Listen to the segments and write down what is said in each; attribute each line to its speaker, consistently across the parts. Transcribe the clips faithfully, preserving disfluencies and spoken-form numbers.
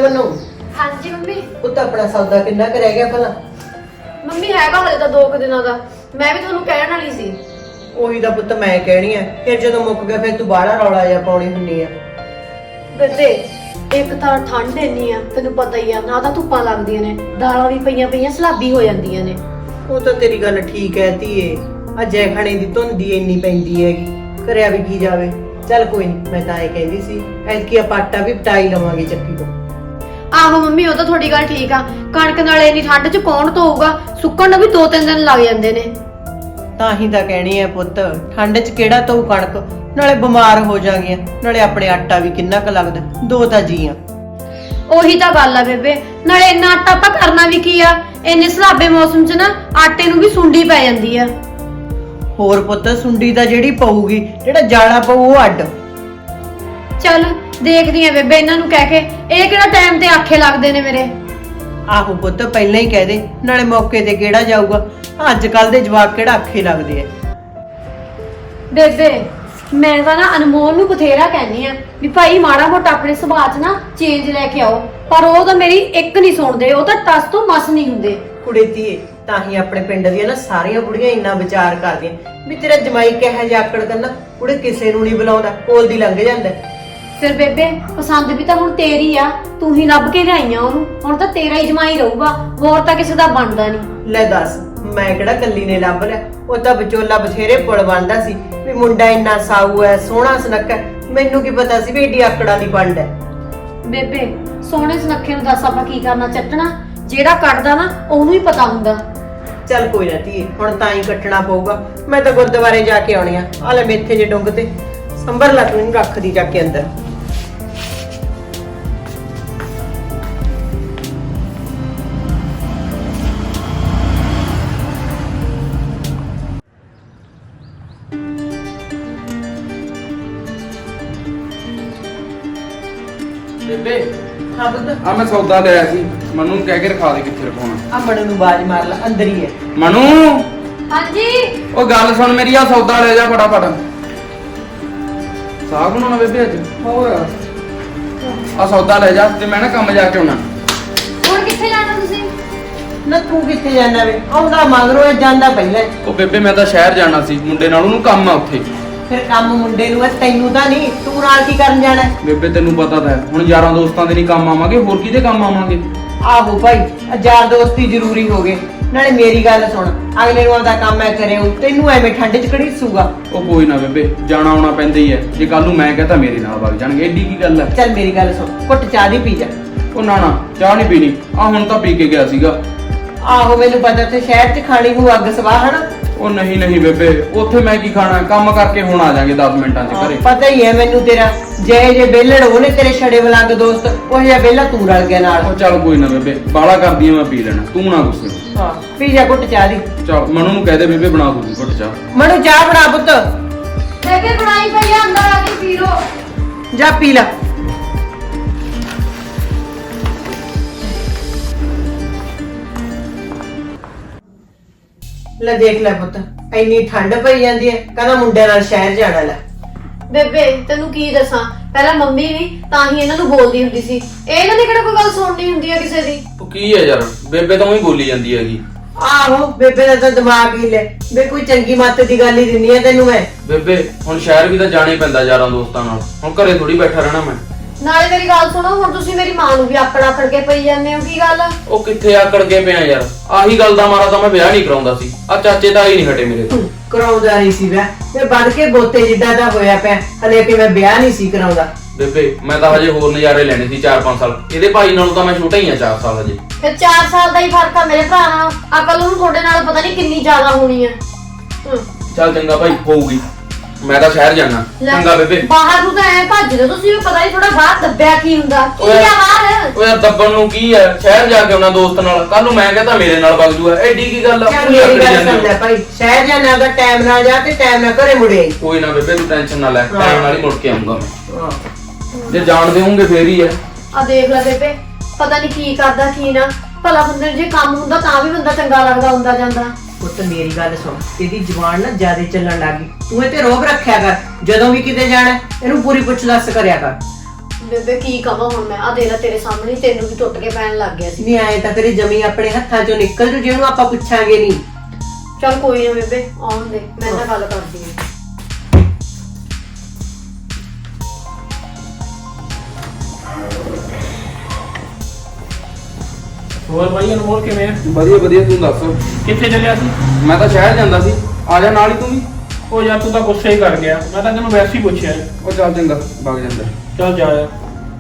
Speaker 1: मनु
Speaker 2: हाँ जी मम्मी
Speaker 1: पुत अपना सौदा किन्ना क रह गया भला
Speaker 2: मम्मी हैगा हले तो दो दिनों का मैं भी थोनू कहण वाली सी
Speaker 1: ਉਹੀ ਦਾ ਪੁੱਤ ਮੈਂ ਕਹਿਣੀ ਆ ਫਿਰ ਜਦੋਂ ਮੁੱਕ ਗਿਆ ਫਿਰ ਤੂੰ ਬਾਹਲਾ ਰੌਲਾ ਜਿਹਾ ਪਾਉਣੀ ਹੁੰਨੀ ਆ
Speaker 2: ਬੇਬੇ ਇੱਕ ਤਾਂ ਠੰਡ ਇੰਨੀ ਆ ਤੈਨੂੰ ਪਤਾ ਹੀ ਆ ਨਾ ਤਾਂ ਧੁੱਪਾਂ ਲੱਗਦੀਆਂ ਨੇ ਦਾਲਾਂ ਵੀ ਪਈਆਂ ਪਈਆਂ ਸਲਾਬੀ ਹੋ ਜਾਂਦੀਆਂ ਨੇ
Speaker 1: ਉਹ ਤਾਂ ਤੇਰੀ ਗੱਲ ਠੀਕ ਹੈ ਧੀਏ ਆ ਜੈ ਖਾਣੇ ਦੀ ਧੁੰਦੀ ਇੰਨੀ ਪੈਂਦੀ ਹੈਗੀ ਕਰਿਆ ਵੀ ਕੀ ਜਾਵੇ ਚੱਲ ਕੋਈ ਨਹੀਂ ਮੈਂ ਤਾਂ ਇਹ ਕਹਿੰਦੀ ਸੀ ਐਤਕੀ ਆਪਾਂ ਆਟਾ ਵੀ ਪਟਾਈ ਲਵਾਂਗੇ ਚੱਕੀ ਤੋਂ
Speaker 2: ਆਹੋ ਮੰਮੀ ਉਹ ਤਾਂ ਤੁਹਾਡੀ ਗੱਲ ਠੀਕ ਆ ਕਣਕ ਨਾਲ ਇੰਨੀ ਠੰਡ 'ਚ ਕੌਣ ਧੋਊਗਾ ਸੁੱਕਣ ਨੂੰ ਵੀ ਦੋ ਤਿੰਨ ਦਿਨ ਲੱਗ ਜਾਂਦੇ ਨੇ
Speaker 1: ਤਾਂ ਹੀ ਤਾਂ ਕਹਿਣੀ ਹੈ ਪੁੱਤ ਠੰਡ 'ਚ ਕਿਹੜਾ ਧੋਊ ਕਣਕ ਨਾਲੇ ਬਿਮਾਰ ਹੋ ਜਾਗੇ ਨਾਲੇ ਆਪਣੇ ਆਟਾ ਵੀ ਕਿੰਨਾ ਕੁ ਲੱਗਦਾ ਦੋ ਤਾਂ ਜੀਆਂ
Speaker 2: ਉਹੀ ਤਾਂ ਗੱਲ ਆ ਬੇਬੇ ਨਾਲੇ ਇੰਨਾ ਆਟਾ ਆਪਾਂ ਕਰਨਾ ਵੀ ਕੀ ਆ ਇੰਨੇ ਸਲਾਬੇ ਮੌਸਮ 'ਚ ਨਾ ਆਟੇ ਨੂੰ ਵੀ ਸੁੰਡੀ ਪੈ ਜਾਂਦੀ ਆ
Speaker 1: ਹੋਰ ਪੁੱਤ ਸੁੰਡੀ ਦਾ ਜਿਹੜੀ ਪਊਗੀ ਜਿਹੜਾ ਜਾਲਾ ਪਊ ਉਹ ਅੱਡ
Speaker 2: ਚੱਲ ਦੇਖਦੀ ਆ ਬੇਬੇ ਇਹਨਾਂ ਨੂੰ ਕਹਿ ਕੇ ਇਹ ਕਿਹੜਾ ਟਾਈਮ ਤੇ ਆਖੇ ਲੱਗਦੇ ਨੇ ਮੇਰੇ
Speaker 1: ਆਹੋ ਪੁੱਤ ਪਹਿਲਾਂ ਹੀ ਕਹਿ ਦੇ ਨਾਲੇ ਮੌਕੇ ਤੇ ਕਿਹੜਾ ਜਾਊਗਾ ਅੱਜ ਕੱਲ ਦੇ ਜਵਾਕ ਕਿਹੜਾ ਆਖੇ ਲੱਗਦੇ ਆ
Speaker 2: ਬੇਬੇ ਮੈਂ ਤਾਂ ਨਾ ਅਨਮੋਲ ਨੂੰ ਬਥੇਰਾ ਕਹਿੰਨੀ ਆ ਵੀ ਭਾਈ ਮਾੜਾ ਮੋਟਾ ਆਪਣੇ ਸੁਭਾਅ 'ਚ ਨਾ ਚੇਂਜ ਲੈ ਕੇ ਆਓ ਪਰ ਉਹ ਤਾਂ ਮੇਰੀ ਇੱਕ ਨਹੀਂ ਸੁਣਦੇ ਉਹ ਤਾਂ ਟਸ ਤੋਂ ਮਸ ਨਹੀਂ ਹੁੰਦੇ
Speaker 1: ਕੁੜੇ ਧੀਏ ਤਾਂ ਹੀ ਆਪਣੇ ਪਿੰਡ ਦੀਆਂ ਨਾ ਸਾਰੀਆਂ ਬੁੜੀਆਂ ਇੰਨਾ ਵਿਚਾਰ ਕਰਦੀਆਂ ਵੀ ਤੇਰਾ ਜਮਾਈ ਕਿਹੋ ਜਿਹਾ ਆਕੜ ਕਰਨਾ ਕੁੜੇ ਕਿਸੇ ਨੂੰ ਨਹੀਂ ਬੁਲਾਉਂਦਾ ਕੋਲ ਦੀ ਲੰਘ ਜਾਂਦਾ
Speaker 2: ਫਿਰ ਬੇਬੇ ਪਸੰਦ ਵੀ ਤਾਂ ਹੁਣ ਤੇਰੀ ਆ ਤੂੰ ਹੀ ਲੱਭ ਕੇ ਲਿਆਈਆਂ ਉਹਨੂੰ ਹੁਣ ਤਾਂ ਤੇਰਾ ਹੀ ਜਮਾਈ ਰਹੂਗਾ ਹੋਰ ਤਾਂ ਕਿਸੇ ਦਾ ਬਣਦਾ ਨਹੀਂ
Speaker 1: ਲੈ ਦੱਸ ਮੈਂ ਕਿਹੜਾ ਕੱਲੀ ਨੇ ਲੱਭ ਲਿਆ ਉਹ ਤਾਂ ਵਿਚੋਲਾ ਬਥੇਰੇ ਪੁਲ ਬਣਦਾ ਸੀ ਵੀ ਮੁੰਡਾ ਇੰਨਾ ਸਾਊ ਹੈ ਸੋਹਣਾ ਸੁਨੱਖਾ ਮੈਨੂੰ ਕੀ ਪਤਾ ਸੀ ਵੀ ਏਡੀ ਆਕੜਾਂ ਦੀ ਪੰਡ ਹੈ
Speaker 2: ਬੇਬੇ ਸੋਹਣੇ ਸੁਨੱਖੇ ਨੂੰ ਦੱਸ ਆਪਾਂ ਕੀ ਕਰਨਾ ਚੱਟਣਾ ਜਿਹੜਾ ਕੱਟਦਾ ਨਾ ਉਹਨੂੰ ਹੀ ਪਤਾ ਹੁੰਦਾ
Speaker 1: ਚੱਲ ਕੋਈ ਨਾ ਧੀਏ ਹੁਣ ਤਾਂ ਹੀ ਕੱਟਣਾ ਪਊਗਾ ਮੈਂ ਤਾਂ ਗੁਰਦੁਆਰੇ ਜਾ ਕੇ ਆਉਣੀ ਆ ਆ ਲੈ ਮੇਥੇ ਜੇ ਡੁੰਗ ਤੇ ਸੰਭਰ ਲਾ ਤੂੰ ਇਹਨੂੰ ਰੱਖਦੀ ਜਾ ਕੇ ਅੰਦਰ
Speaker 3: ਬੇਬੇ
Speaker 1: ਹਾਂ ਬੁੱਧ
Speaker 3: ਆ ਮੈਂ ਸੌਦਾ ਲਿਆ ਸੀ ਮਨੂ ਨੂੰ ਕਹਿ ਕੇ ਰਖਾ ਦੇ ਕਿੱਥੇ ਰਖਾਉਣਾ
Speaker 1: ਆ ਮਣੂ ਨੂੰ ਬਾਜ ਮਾਰ ਲੈ ਅੰਦਰ ਹੀ ਹੈ
Speaker 3: ਮਨੂ
Speaker 2: ਹਾਂਜੀ
Speaker 3: ਉਹ ਗੱਲ ਸੁਣ ਮੇਰੀ ਆ ਸੌਦਾ ਲੈ ਜਾ ਫਟਾਫਟ ਸਾਗ ਬਣਾਉਣਾ ਬੇਬੇ ਅੱਜ
Speaker 1: ਹੋਰ
Speaker 3: ਆ ਸੌਦਾ ਲੈ ਜਾ ਤੇ ਮੈਂ ਨਾ ਕੰਮ ਜਾ ਕੇ ਆਉਣਾ
Speaker 2: ਹੁਣ ਕਿੱਥੇ ਜਾਣਾ ਤੁਸੀਂ
Speaker 1: ਨਾ ਤੂੰ ਕਿੱਥੇ ਜਾਣਾ ਵੇ ਆਉਂਦਾ ਮਗਰੋਂ ਇਹ ਜਾਂਦਾ ਪਹਿਲਾਂ
Speaker 3: ਉਹ ਬੇਬੇ ਮੈਂ ਤਾਂ ਸ਼ਹਿਰ ਜਾਣਾ ਸੀ ਮੁੰਡੇ ਨਾਲ ਉਹਨੂੰ ਕੰਮ ਆ ਉੱਥੇ
Speaker 1: ਫਿਰ ਕੰਮ ਮੁੰਡੇ ਨੂੰ ਹੈ ਤੈਨੂੰ ਤਾਂ ਨਹੀਂ ਤੂੰ ਨਾਲ ਕੀ ਕਰਨ ਜਾਣਾ
Speaker 3: ਬੇਬੇ ਤੈਨੂੰ ਪਤਾ ਤਾਂ ਹੈ ਹੁਣ ਯਾਰਾਂ ਦੋਸਤਾਂ ਦੇ ਨਹੀਂ ਕੰਮ ਆਵਾਂਗੇ ਹੋਰ ਕਿਹਦੇ ਕੰਮ ਆਵਾਂਗੇ
Speaker 1: ਆਹੋ ਭਾਈ ਯਾਰ ਦੋਸਤੀ ਜ਼ਰੂਰੀ ਹੋ ਗਏ ਨਾਲੇ ਮੇਰੀ ਗੱਲ ਸੁਣ ਅਗਲੇ ਨੂੰ ਆਪਦਾ ਕੰਮ ਐ ਕਰਿਓ ਤੈਨੂੰ ਐਵੇਂ ਠੰਡ 'ਚ ਘੜੀਸੂਗਾ
Speaker 3: ਉਹ ਕੋਈ ਨਾ ਬੇਬੇ ਜਾਣਾ ਆਉਣਾ ਪੈਂਦਾ ਹੀ ਹੈ ਜੇ ਕੱਲ ਨੂੰ ਮੈਂ ਕਹਤਾ ਮੇਰੇ ਨਾਲ ਵਗ ਜਾਣਗੇ ਏਡੀ ਕੀ ਗੱਲ ਹੈ
Speaker 1: ਚੱਲ ਮੇਰੀ ਗੱਲ ਸੁਣ ਘੁੱਟ ਚਾਹ ਦੀ ਪੀ ਜਾ
Speaker 3: ਉਹ ਨਾ ਨਾ ਚਾਹ ਨਹੀਂ ਪੀਣੀ ਆ ਹੁਣ ਤਾਂ ਪੀ ਕੇ ਗਿਆ ਸੀਗਾ
Speaker 1: ਆਹੋ ਮੈਨੂੰ ਪਤਾ ਤੇ ਸ਼ਹਿਰ 'ਚ ਖਾਣੀ ਨੂੰ ਅੱਗ ਸਵਾਹ ਹਨਾ
Speaker 3: ਉਹ ਨਹੀਂ ਨਹੀਂ ਬੇਬੇ ਉੱਥੇ ਮੈਂ ਕੀ ਖਾਣਾ ਕੰਮ ਕਰਕੇ ਹੁਣ ਆ ਜਾਾਂਗੇ ਦਸ ਮਿੰਟਾਂ 'ਚ ਘਰੇ
Speaker 1: ਪਤਾ ਹੀ ਹੈ ਮੈਨੂੰ ਤੇਰਾ ਜੇ ਜੇ ਬੇਲੜ ਉਹਨੇ ਤੇਰੇ ਛੜੇ ਬਲੰਗ ਦੋਸਤ ਉਹ ਜਿਹਾ ਬੇਲਾ ਤੂੰ ਰਲ ਗਿਆ ਨਾਲ
Speaker 3: ਉਹ ਚੱਲ ਕੋਈ ਨਾ ਬੇਬੇ ਬਾਲਾ ਕਰਦੀ ਆ ਮੈਂ ਪੀ ਲੈਣਾ ਤੂੰ ਨਾ ਗੁੱਸੇ
Speaker 1: ਹਾਂ ਪੀ ਜਾ ਘੁੱਟ ਚਾਹ ਦੀ
Speaker 3: ਚੱਲ ਮਨੂ ਨੂੰ ਕਹਿ ਦੇ ਬੇਬੇ ਬਣਾ ਦੂਗੀ ਘੁੱਟ ਚਾਹ
Speaker 1: ਮਨੂੰ ਚਾਹ ਬਣਾ ਪੁੱਤ
Speaker 2: ਬੇਬੇ ਬਣਾਈ ਪਈ ਆ ਅੰਦਰ ਆ ਕੇ ਪੀ ਲੋ
Speaker 1: ਜਾ ਪੀ ਲੈ ਲੈ ਦੇਖ ਲੈ ਪੁੱਤ ਇੰਨੀ ਠੰਡ ਪਈ ਜਾਂਦੀ ਹੈ ਕਹਿੰਦਾ ਮੁੰਡੇ ਨਾਲ ਸ਼ਹਿਰ ਜਾਣਾ ਲੈ
Speaker 2: ਬੇਬੇ ਤੈਨੂੰ ਕੀ ਦੱਸਾਂ ਪਹਿਲਾਂ ਮੰਮੀ ਵੀ ਤਾਂ ਹੀ ਇਹਨਾਂ ਨੂੰ ਬੋਲਦੀ ਹੁੰਦੀ ਸੀ ਇਹਨਾਂ ਦੀ ਕਿਹੜਾ ਕੋਈ ਗੱਲ ਸੁਣਨੀ ਹੁੰਦੀ ਆ ਕਿਸੇ ਦੀ
Speaker 3: ਉਹ ਕੀ ਹੈ ਯਾਰ ਬੇਬੇ ਤਾਂ ਉਹੀ ਬੋਲੀ ਜਾਂਦੀ ਹੈਗੀ
Speaker 1: ਆਹੋ ਬੇਬੇ ਦਾ ਤਾਂ ਦਿਮਾਗ ਹੀ ਲੈ ਬੇ ਕੋਈ ਚੰਗੀ ਮੱਤ ਦੀ ਗੱਲ ਹੀ ਦਿੰਨੀ ਆ ਤੈਨੂੰ ਮੈਂ
Speaker 3: ਬੇਬੇ ਹੁਣ ਸ਼ਹਿਰ ਵੀ ਤਾਂ ਜਾਣਾ ਹੀ ਪੈਂਦਾ ਯਾਰਾਂ ਦੋਸਤਾਂ ਨਾਲ ਹੁਣ ਘਰੇ ਥੋੜੀ ਬੈਠਾ ਰਹਿਣਾ ਮੈਂ
Speaker 2: ਨਾਲੇ ਮੇਰੀ ਗੱਲ ਸੁਣੋ ਹੁਣ ਤੁਸੀਂ ਮੇਰੀ ਮਾਂ ਨੂੰ ਵੀ ਆਕੜ ਆਕੜ ਕੇ ਪਈ ਜਾਂਦੇ ਹੋ ਕੀ ਗੱਲ
Speaker 3: ਉਹ ਕਿੱਥੇ ਆਕੜ ਕੇ ਪਿਆ ਯਾਰ ਆਹੀ ਗੱਲ ਦਾ ਮਾਰਾ ਤਾਂ ਮੈਂ ਵਿਆਹ ਨਹੀਂ ਕਰਾਉਂਦਾ ਸੀ ਆ ਚਾਚੇ ਤਾਂ ਹੀ ਨਹੀਂ ਹਟੇ ਮੇਰੇ ਤੋਂ
Speaker 1: ਕਰਾਉਂਦਾ ਨਹੀਂ ਸੀ ਵਿਆਹ ਮੈਂ ਬਣ ਕੇ ਬੋਤੇ ਜਿੱਦਾਂ ਦਾ ਹੋਇਆ ਪਿਆ ਹਲੇ ਕਿ ਮੈਂ ਵਿਆਹ ਨਹੀਂ ਸੀ ਕਰਾਉਂਦਾ
Speaker 3: ਬੇਬੇ ਮੈਂ ਤਾਂ ਹਜੇ ਹੋਰ ਨਜ਼ਾਰੇ ਲੈਣੇ ਸੀ ਚਾਰ ਪੰਜ ਸਾਲ ਇਹਦੇ ਭਾਈ ਨਾਲੋਂ ਤਾਂ ਮੈਂ ਛੋਟਾ ਹੀ ਆ ਚਾਰ ਸਾਲ ਹਜੇ
Speaker 2: ਫਿਰ ਚਾਰ ਸਾਲ ਦਾ ਹੀ ਫਰਕ ਆ ਮੇਰੇ ਭਰਾ ਨਾਲ ਅਕਲ ਨੂੰ ਤੁਹਾਡੇ ਨਾਲ ਪਤਾ ਨਹੀਂ ਕਿੰਨੀ ਜ਼ਿਆਦਾ ਹੋਣੀ ਆ
Speaker 3: ਚੱਲ ਚੰਗਾ ਭਾਈ ਹੋਊਗੀ ਮੈਂ ਤਾਂ ਸ਼ਹਿਰ ਜਾਣਾ ਚੰਗਾ ਬੇਬੇ
Speaker 2: ਬਾਹਰ ਨੂੰ ਤਾਂ ਐ ਭੱਜ ਰਹੇ ਤੁਸੀਂ ਵੀ ਪਤਾ ਨਹੀਂ ਥੋੜਾ ਬਾਹਰ ਦੱਬਿਆ ਕੀ ਹੁੰਦਾ ਕੀ ਆ ਬਾਹਰ
Speaker 3: ਓ ਯਾਰ ਦੱਬਣ ਨੂੰ ਕੀ ਹੈ ਸ਼ਹਿਰ ਜਾ ਕੇ ਉਹਨਾਂ ਦੋਸਤ ਨਾਲ ਕੱਲ ਨੂੰ ਮੈਂ ਕਹਤਾ ਮੇਰੇ ਨਾਲ ਵਗ ਜੂਗਾ ਐਡੀ ਕੀ ਗੱਲ ਆ
Speaker 1: ਮੇਰੀ ਗੱਲ ਸੁਣ ਲੈ ਭਾਈ ਸ਼ਹਿਰ ਜਾਣਾ ਦਾ ਟਾਈਮ ਨਾਲ ਜਾ ਤੇ ਟਾਈਮ ਨਾਲ ਘਰੇ ਮੁੜੇ
Speaker 3: ਕੋਈ ਨਾ ਬੇਬੇ ਤੂੰ ਟੈਨਸ਼ਨ ਨਾ ਲੈ ਟਾਈਮ ਨਾਲ ਹੀ ਮੁੜ ਕੇ ਆਉਂਗਾ ਮੈਂ ਜੇ ਜਾਣ ਦੇਉਂਗੇ ਫੇਰ ਹੀ ਹੈ
Speaker 2: ਆ ਦੇਖ ਲੈ ਬੇਬੇ ਪਤਾ ਨਹੀਂ ਕੀ ਕਰਦਾ ਕੀ ਨਾ ਭਲਾ ਬੰਦੇ ਨੂੰ ਜੇ ਕੰਮ ਹੁੰਦਾ ਤਾਂ ਵੀ ਬੰਦਾ ਚੰਗਾ ਲੱਗਦਾ ਹੁੰਦਾ ਜਾਂਦਾ
Speaker 1: ਪੁੱਤ ਮੇਰੀ ਗੱਲ ਸੁਣ ਇਹਦੀ ਜ਼ੁਬਾਨ ਨਾ ਜ਼ਿਆਦਾ ਚੱਲਣ ਲੱਗੀ ਤੂੰ ਇਹ ਤੇ ਰੋਬ ਰੱਖਿਆ ਕਰ ਜਦੋਂ ਵੀ ਕਿਤੇ ਜਾਣਾ ਇਹਨੂੰ ਪੂਰੀ ਪੁੱਛ ਦੱਸ ਕਰਿਆ ਕਰ
Speaker 2: ਬੇਬੇ ਕੀ ਕਵਾਂ ਹੁਣ ਮੈਂ, ਆ ਦੇਖ ਤੇਰੇ ਸਾਹਮਣੇ ਤੈਨੂੰ ਵੀ ਟੁੱਟ ਕੇ ਪੈਣ ਲੱਗ ਗਿਆ ਸੀ।
Speaker 1: ਨਹੀਂ ਆਏ ਤਾਂ ਤੇਰੀ ਜਮੀ ਆਪਣੇ ਹੱਥਾਂ ਚੋਂ ਨਿਕਲ ਜੂ, ਜਿਹਨੂੰ ਆਪਾਂ ਪੁੱਛਾਂਗੇ ਨਹੀਂ।
Speaker 2: ਚਲ ਕੋਈ ਨਾ ਬੇਬੇ, ਆਉਣ ਦੇ, ਮੈਂ ਤਾਂ ਗੱਲ ਕਰਦੀ ਹਾਂ।
Speaker 4: ਹੋਰ ਬਾਈ ਅਨਮੋਲ ਕਿਵੇਂ ਆ?
Speaker 3: ਵਧੀਆ ਵਧੀਆ, ਤੂੰ ਦੱਸ।
Speaker 4: ਕਿੱਥੇ ਚੱਲਿਆ ਸੀ?
Speaker 3: ਮੈਂ ਤਾਂ ਸ਼ਹਿਰ ਜਾਂਦਾ ਸੀ, ਆ ਜਾ ਨਾਲ ਹੀ ਤੂੰ ਵੀ।
Speaker 4: ਉਹ ਯਾਰ ਤੂੰ ਤਾਂ ਗੁੱਸੇ ਹੀ ਕਰ ਗਿਆ, ਮੈਂ ਤਾਂ ਤੈਨੂੰ ਵੈਸੇ ਹੀ ਪੁੱਛਿਆ।
Speaker 3: ਉਹ ਚੱਲ ਚੰਗਾ, ਵਗ ਜਾਂਦਾ।
Speaker 4: ਚੱਲ ਜਾ ਯਾਰ।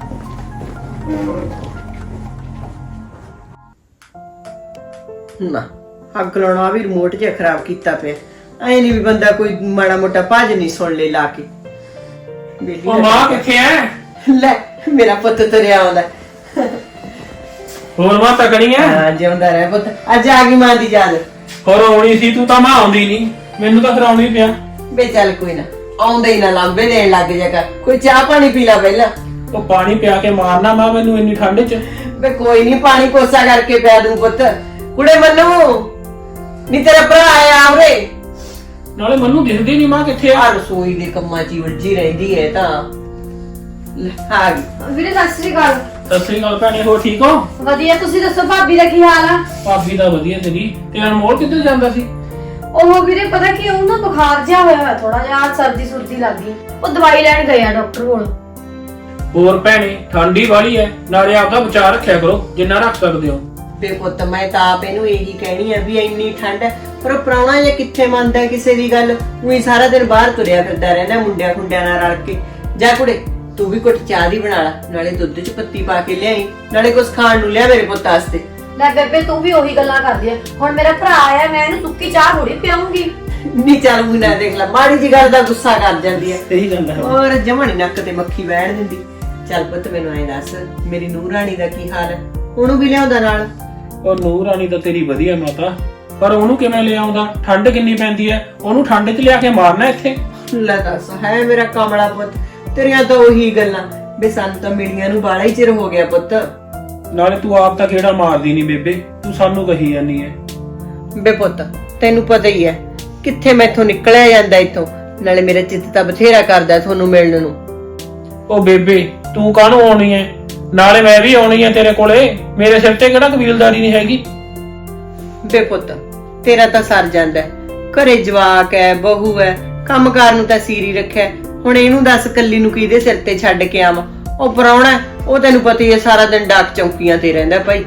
Speaker 1: ਨਾ ਅੱਗ ਲਾਉਣਾ ਵੀ ਰਿਮੋਟ ਜਿਹਾ ਖਰਾਬ ਕੀਤਾ ਪਿਆ। ਐ ਨਹੀਂ ਵੀ ਬੰਦਾ ਕੋਈ ਮਾੜਾ ਮੋਟਾ ਭੱਜ ਨਹੀਂ ਸੁਣ ਲੈ ਲਾ ਕੇ। ਵਿਹਲੀ
Speaker 4: ਉਹ ਮਾਂ ਕਿੱਥੇ ਐ?
Speaker 1: ਲੈ ਮੇਰਾ ਪੁੱਤ ਤੁਰਿਆ ਆਉਂਦਾ।
Speaker 4: ਹੋਰ ਮਾਂ ਤਕੜੀ ਐ?
Speaker 1: ਹਾਂ ਜਿਉਂਦਾ ਰਹਿ ਪੁੱਤ, ਅੱਜ ਆ ਗਈ ਮਾਂ ਦੀ ਯਾਦ।
Speaker 4: ਹੋਰ ਆਉਣੀ ਸੀ, ਤੂੰ ਤਾਂ ਮਾਂ ਆਉਂਦੀ ਨਹੀਂ, ਮੈਨੂੰ ਤਾਂ ਫਿਰ ਆਉਣੀ ਪਿਆ।
Speaker 1: ਬੇ ਚੱਲ ਕੋਈ ਨਾ, ਆਉਂਦਾ ਹੀ ਨਾ ਲਾਂਬੇ ਲੈਣ ਲੱਗ ਜਾ ਕਰ। ਕੋਈ ਚਾਹ ਪਾਣੀ ਪੀ ਲਾ ਪਹਿਲਾਂ।
Speaker 4: ਉਹ ਪਾਣੀ ਪਿਆ ਕੇ ਮਾਰਨਾ ਮਾਂ ਮੈਨੂੰ ਇੰਨੀ ਠੰਡ 'ਚ।
Speaker 1: ਬੇ ਕੋਈ ਨਹੀਂ, ਪਾਣੀ ਕੋਸਾ ਕਰਕੇ ਪਿਆ ਦੂੰ ਪੁੱਤ। ਕੁੜੇ ਮੰਨੂ ਨੀ ਤੇਰਾ ਭਰਾ ਆਇਆ ਆਵਰੇ।
Speaker 4: ਨਾਲੇ ਮੈਨੂੰ ਦਿਖਦੀ ਨਹੀਂ ਮਾਂ ਕਿੱਥੇ
Speaker 1: ਆ
Speaker 4: ਆ।
Speaker 1: ਰਸੋਈ ਦੇ ਕੰਮਾਂ 'ਚ ਹੀ ਉਲਝੀ ਰਹਿੰਦੀ ਹੈ ਤਾਂ। ਲੈ, ਆ ਗਈ।
Speaker 2: ਵੀਰੇ ਸਤਿ ਸ੍ਰੀ ਅਕਾਲ।
Speaker 4: ਸਤਿ ਸ੍ਰੀ ਅਕਾਲ ਭੈਣੇ, ਹੋਰ ਠੀਕ ਹੋ?
Speaker 2: ਵਧੀਆ, ਤੁਸੀਂ ਦੱਸੋ ਭਾਬੀ ਦਾ ਕੀ ਹਾਲ ਆ?
Speaker 4: ਭਾਬੀ ਤਾਂ ਵਧੀਆ ਤੇਰੀ। ਤੇ ਅਨਮੋਲ ਕਿੱਧਰ ਜਾਂਦਾ ਸੀ?
Speaker 2: ਉਹ ਵੀਰੇ ਪਤਾ ਕੀ, ਉਹ ਨਾ ਬੁਖਾਰ ਜਿਹਾ ਹੋਇਆ ਹੋਇਆ ਥੋੜਾ ਜਿਹਾ, ਸਰਦੀ ਸੁਰਦੀ ਲੱਗ ਗਈ, ਉਹ ਦਵਾਈ ਲੈਣ ਗਏ ਆ ਡਾਕਟਰ ਕੋਲ।
Speaker 4: ਹੋਰ ਭੈਣੇ ਠੰਡੀ ਵਾਲੀ ਐ, ਨਾਲੇ ਆਪਦਾ ਬਚਾ ਰੱਖਿਆ ਕਰੋ ਜਿੰਨਾ ਰੱਖ ਸਕਦੇ ਹੋ।
Speaker 1: ਬੇ ਪੁੱਤ ਮੈਂ ਤਾਂ ਆਪ ਇਹਨੂੰ ਇਹੀ ਕਹਿਣੀ ਆ ਵੀ ਇੰਨੀ ਠੰਡ ਹੈ, ਪਰ ਉਹ ਪ੍ਰਾਹੁਣਾ ਜੇ ਕਿੱਥੇ ਮੰਨਦਾ ਕਿਸੇ ਦੀ ਗੱਲ। ਉਹੀ ਸਾਰਾ ਦਿਨ ਬਾਹਰ ਤੁਰਿਆ ਫਿਰਦਾ ਰਹਿੰਦਾ ਮੁੰਡਿਆਂ ਖੁੰਡਿਆਂ ਨਾਲ ਰਲ ਕੇ। ਜਾ ਕੁੜੇ ਤੂੰ ਵੀ ਘੁੱਟ ਚਾਹ ਦੀ ਬਣਾ ਲੈ, ਨਾਲੇ ਦੁੱਧ 'ਚ ਪੱਤੀ ਪਾ ਕੇ ਲਿਆਈ, ਨਾਲੇ ਕੁਝ ਖਾਣ ਨੂੰ ਲਿਆ ਮੇਰੇ ਪੁੱਤ ਵਾਸਤੇ।
Speaker 2: ਲੈ ਬੇਬੇ ਤੂੰ ਵੀ ਉਹੀ ਗੱਲਾਂ ਕਰਦੀ ਆ। ਹੁਣ ਮੇਰਾ ਭਰਾ ਆਇਆ, ਮੈਂ ਇਹਨੂੰ ਸੁੱਕੀ ਚਾਹ ਥੋੜੀ ਪਿਆਉਂਗੀ।
Speaker 1: ਨਹੀਂ ਚੱਲ ਵੀ ਨਾ ਦੇਖ ਲੈ, ਮਾੜੀ ਜੀ ਗੱਲ ਦਾ ਗੁੱਸਾ ਕਰ ਜਾਂਦੀ ਹੈ।
Speaker 4: ਸਹੀ ਗੱਲ ਹੈ।
Speaker 1: ਔਰ ਜਮਣੀ ਨੱਕ ਤੇ ਮੱਖੀ ਬੈਠ ਦਿੰਦੀ। ਚੱਲ ਪੁੱਤ ਮੈਨੂੰ ਐਂ ਦੱਸ, ਮੇਰੀ ਨੂੰਹ ਰਾਣੀ ਦਾ ਕੀ ਹਾਲ ਹੈ? ਉਹਨੂੰ ਵੀ ਲਿਆਉਂਦਾ ਨਾਲ?
Speaker 4: ਉਹ ਨੂਰ ਰਾਣੀ ਤਾਂ ਤੇਰੀ ਵਧੀਆ ਮਾਤਾ, ਪਰ ਉਹਨੂੰ ਕਿਵੇਂ ਲੈ ਆਉਂਦਾ? ਠੰਡ ਕਿੰਨੀ ਪੈਂਦੀ ਐ, ਉਹਨੂੰ ਠੰਡ 'ਚ ਲਿਆ ਕੇ ਮਾਰਨਾ ਇੱਥੇ?
Speaker 1: ਲੈ ਦੱਸ, ਹੈ ਮੇਰਾ ਕਮਲਾ ਪੁੱਤ, ਤੇਰੀਆਂ ਤਾਂ ਉਹੀ ਗੱਲਾਂ। ਬੇ ਸਾਨੂੰ ਤਾਂ ਮਿਲੀਆਂ ਨੂੰ ਬਾਲਾ ਹੀ ਚਿਰ ਹੋ ਗਿਆ ਪੁੱਤ।
Speaker 4: ਨਾਲੇ ਤੂੰ ਆਪ ਤਾਂ ਕਿਹੜਾ ਮਾਰਦੀ ਨਹੀਂ ਬੇਬੇ, ਤੂੰ ਸਾਨੂੰ ਕਹੀ ਜਾਂਦੀ ਐ।
Speaker 1: ਬੇ ਪੁੱਤ ਤੈਨੂੰ ਪਤਾ ਹੀ ਹੈ ਕਿੱਥੇ ਮੈਥੋਂ ਨਿਕਲਿਆ ਜਾਂਦਾ ਇੱਥੋਂ। ਨਾਲੇ ਮੇਰਾ ਚਿੱਤ ਤਾਂ ਬਥੇਰਾ ਕਰਦਾ ਤੁਹਾਨੂੰ ਮਿਲਣ ਨੂੰ।
Speaker 4: ਉਹ ਬੇਬੇ ਤੂੰ ਕਾਹਨੂੰ ਆਉਣੀ ਐ? ਨਾਲੇ ਮੈਂ ਵੀ ਆਉਣੀ ਐ ਤੇਰੇ ਕੋਲੇ, ਮੇਰੇ ਸਿਰ ਤੇ ਕਿਹੜਾ ਕਬੀਲਦਾਰੀ ਨਹੀਂ ਹੈਗੀ।
Speaker 1: ਬੇ ਪੁੱਤ ਤੇਰਾ ਤਾਂ ਸਰ ਜਾਂਦਾ ਹੈ। ਘਰੇ ਜਵਾਕ ਹੈ, ਬਹੂ ਹੈ, ਕੰਮਕਾਰ ਨੂੰ ਤਾਂ ਸੀਰੀ ਰੱਖਿਆ। ਹੁਣ ਇਹਨੂੰ ਦੱਸ ਕੱਲੀ ਨੂੰ ਕਿਹਦੇ ਸਿਰ ਤੇ ਛੱਡ ਕੇ ਆਵਾਂ? ਉਹ ਪ੍ਰਾਹੁਣਾ ਉਹ ਤੈਨੂੰ ਪਤਾ ਹੀ ਹੈ ਸਾਰਾ ਦਿਨ ਡਾਕ ਚੌਂਕੀਆਂ ਤੇ ਰਹਿੰਦਾ ਭਾਈ।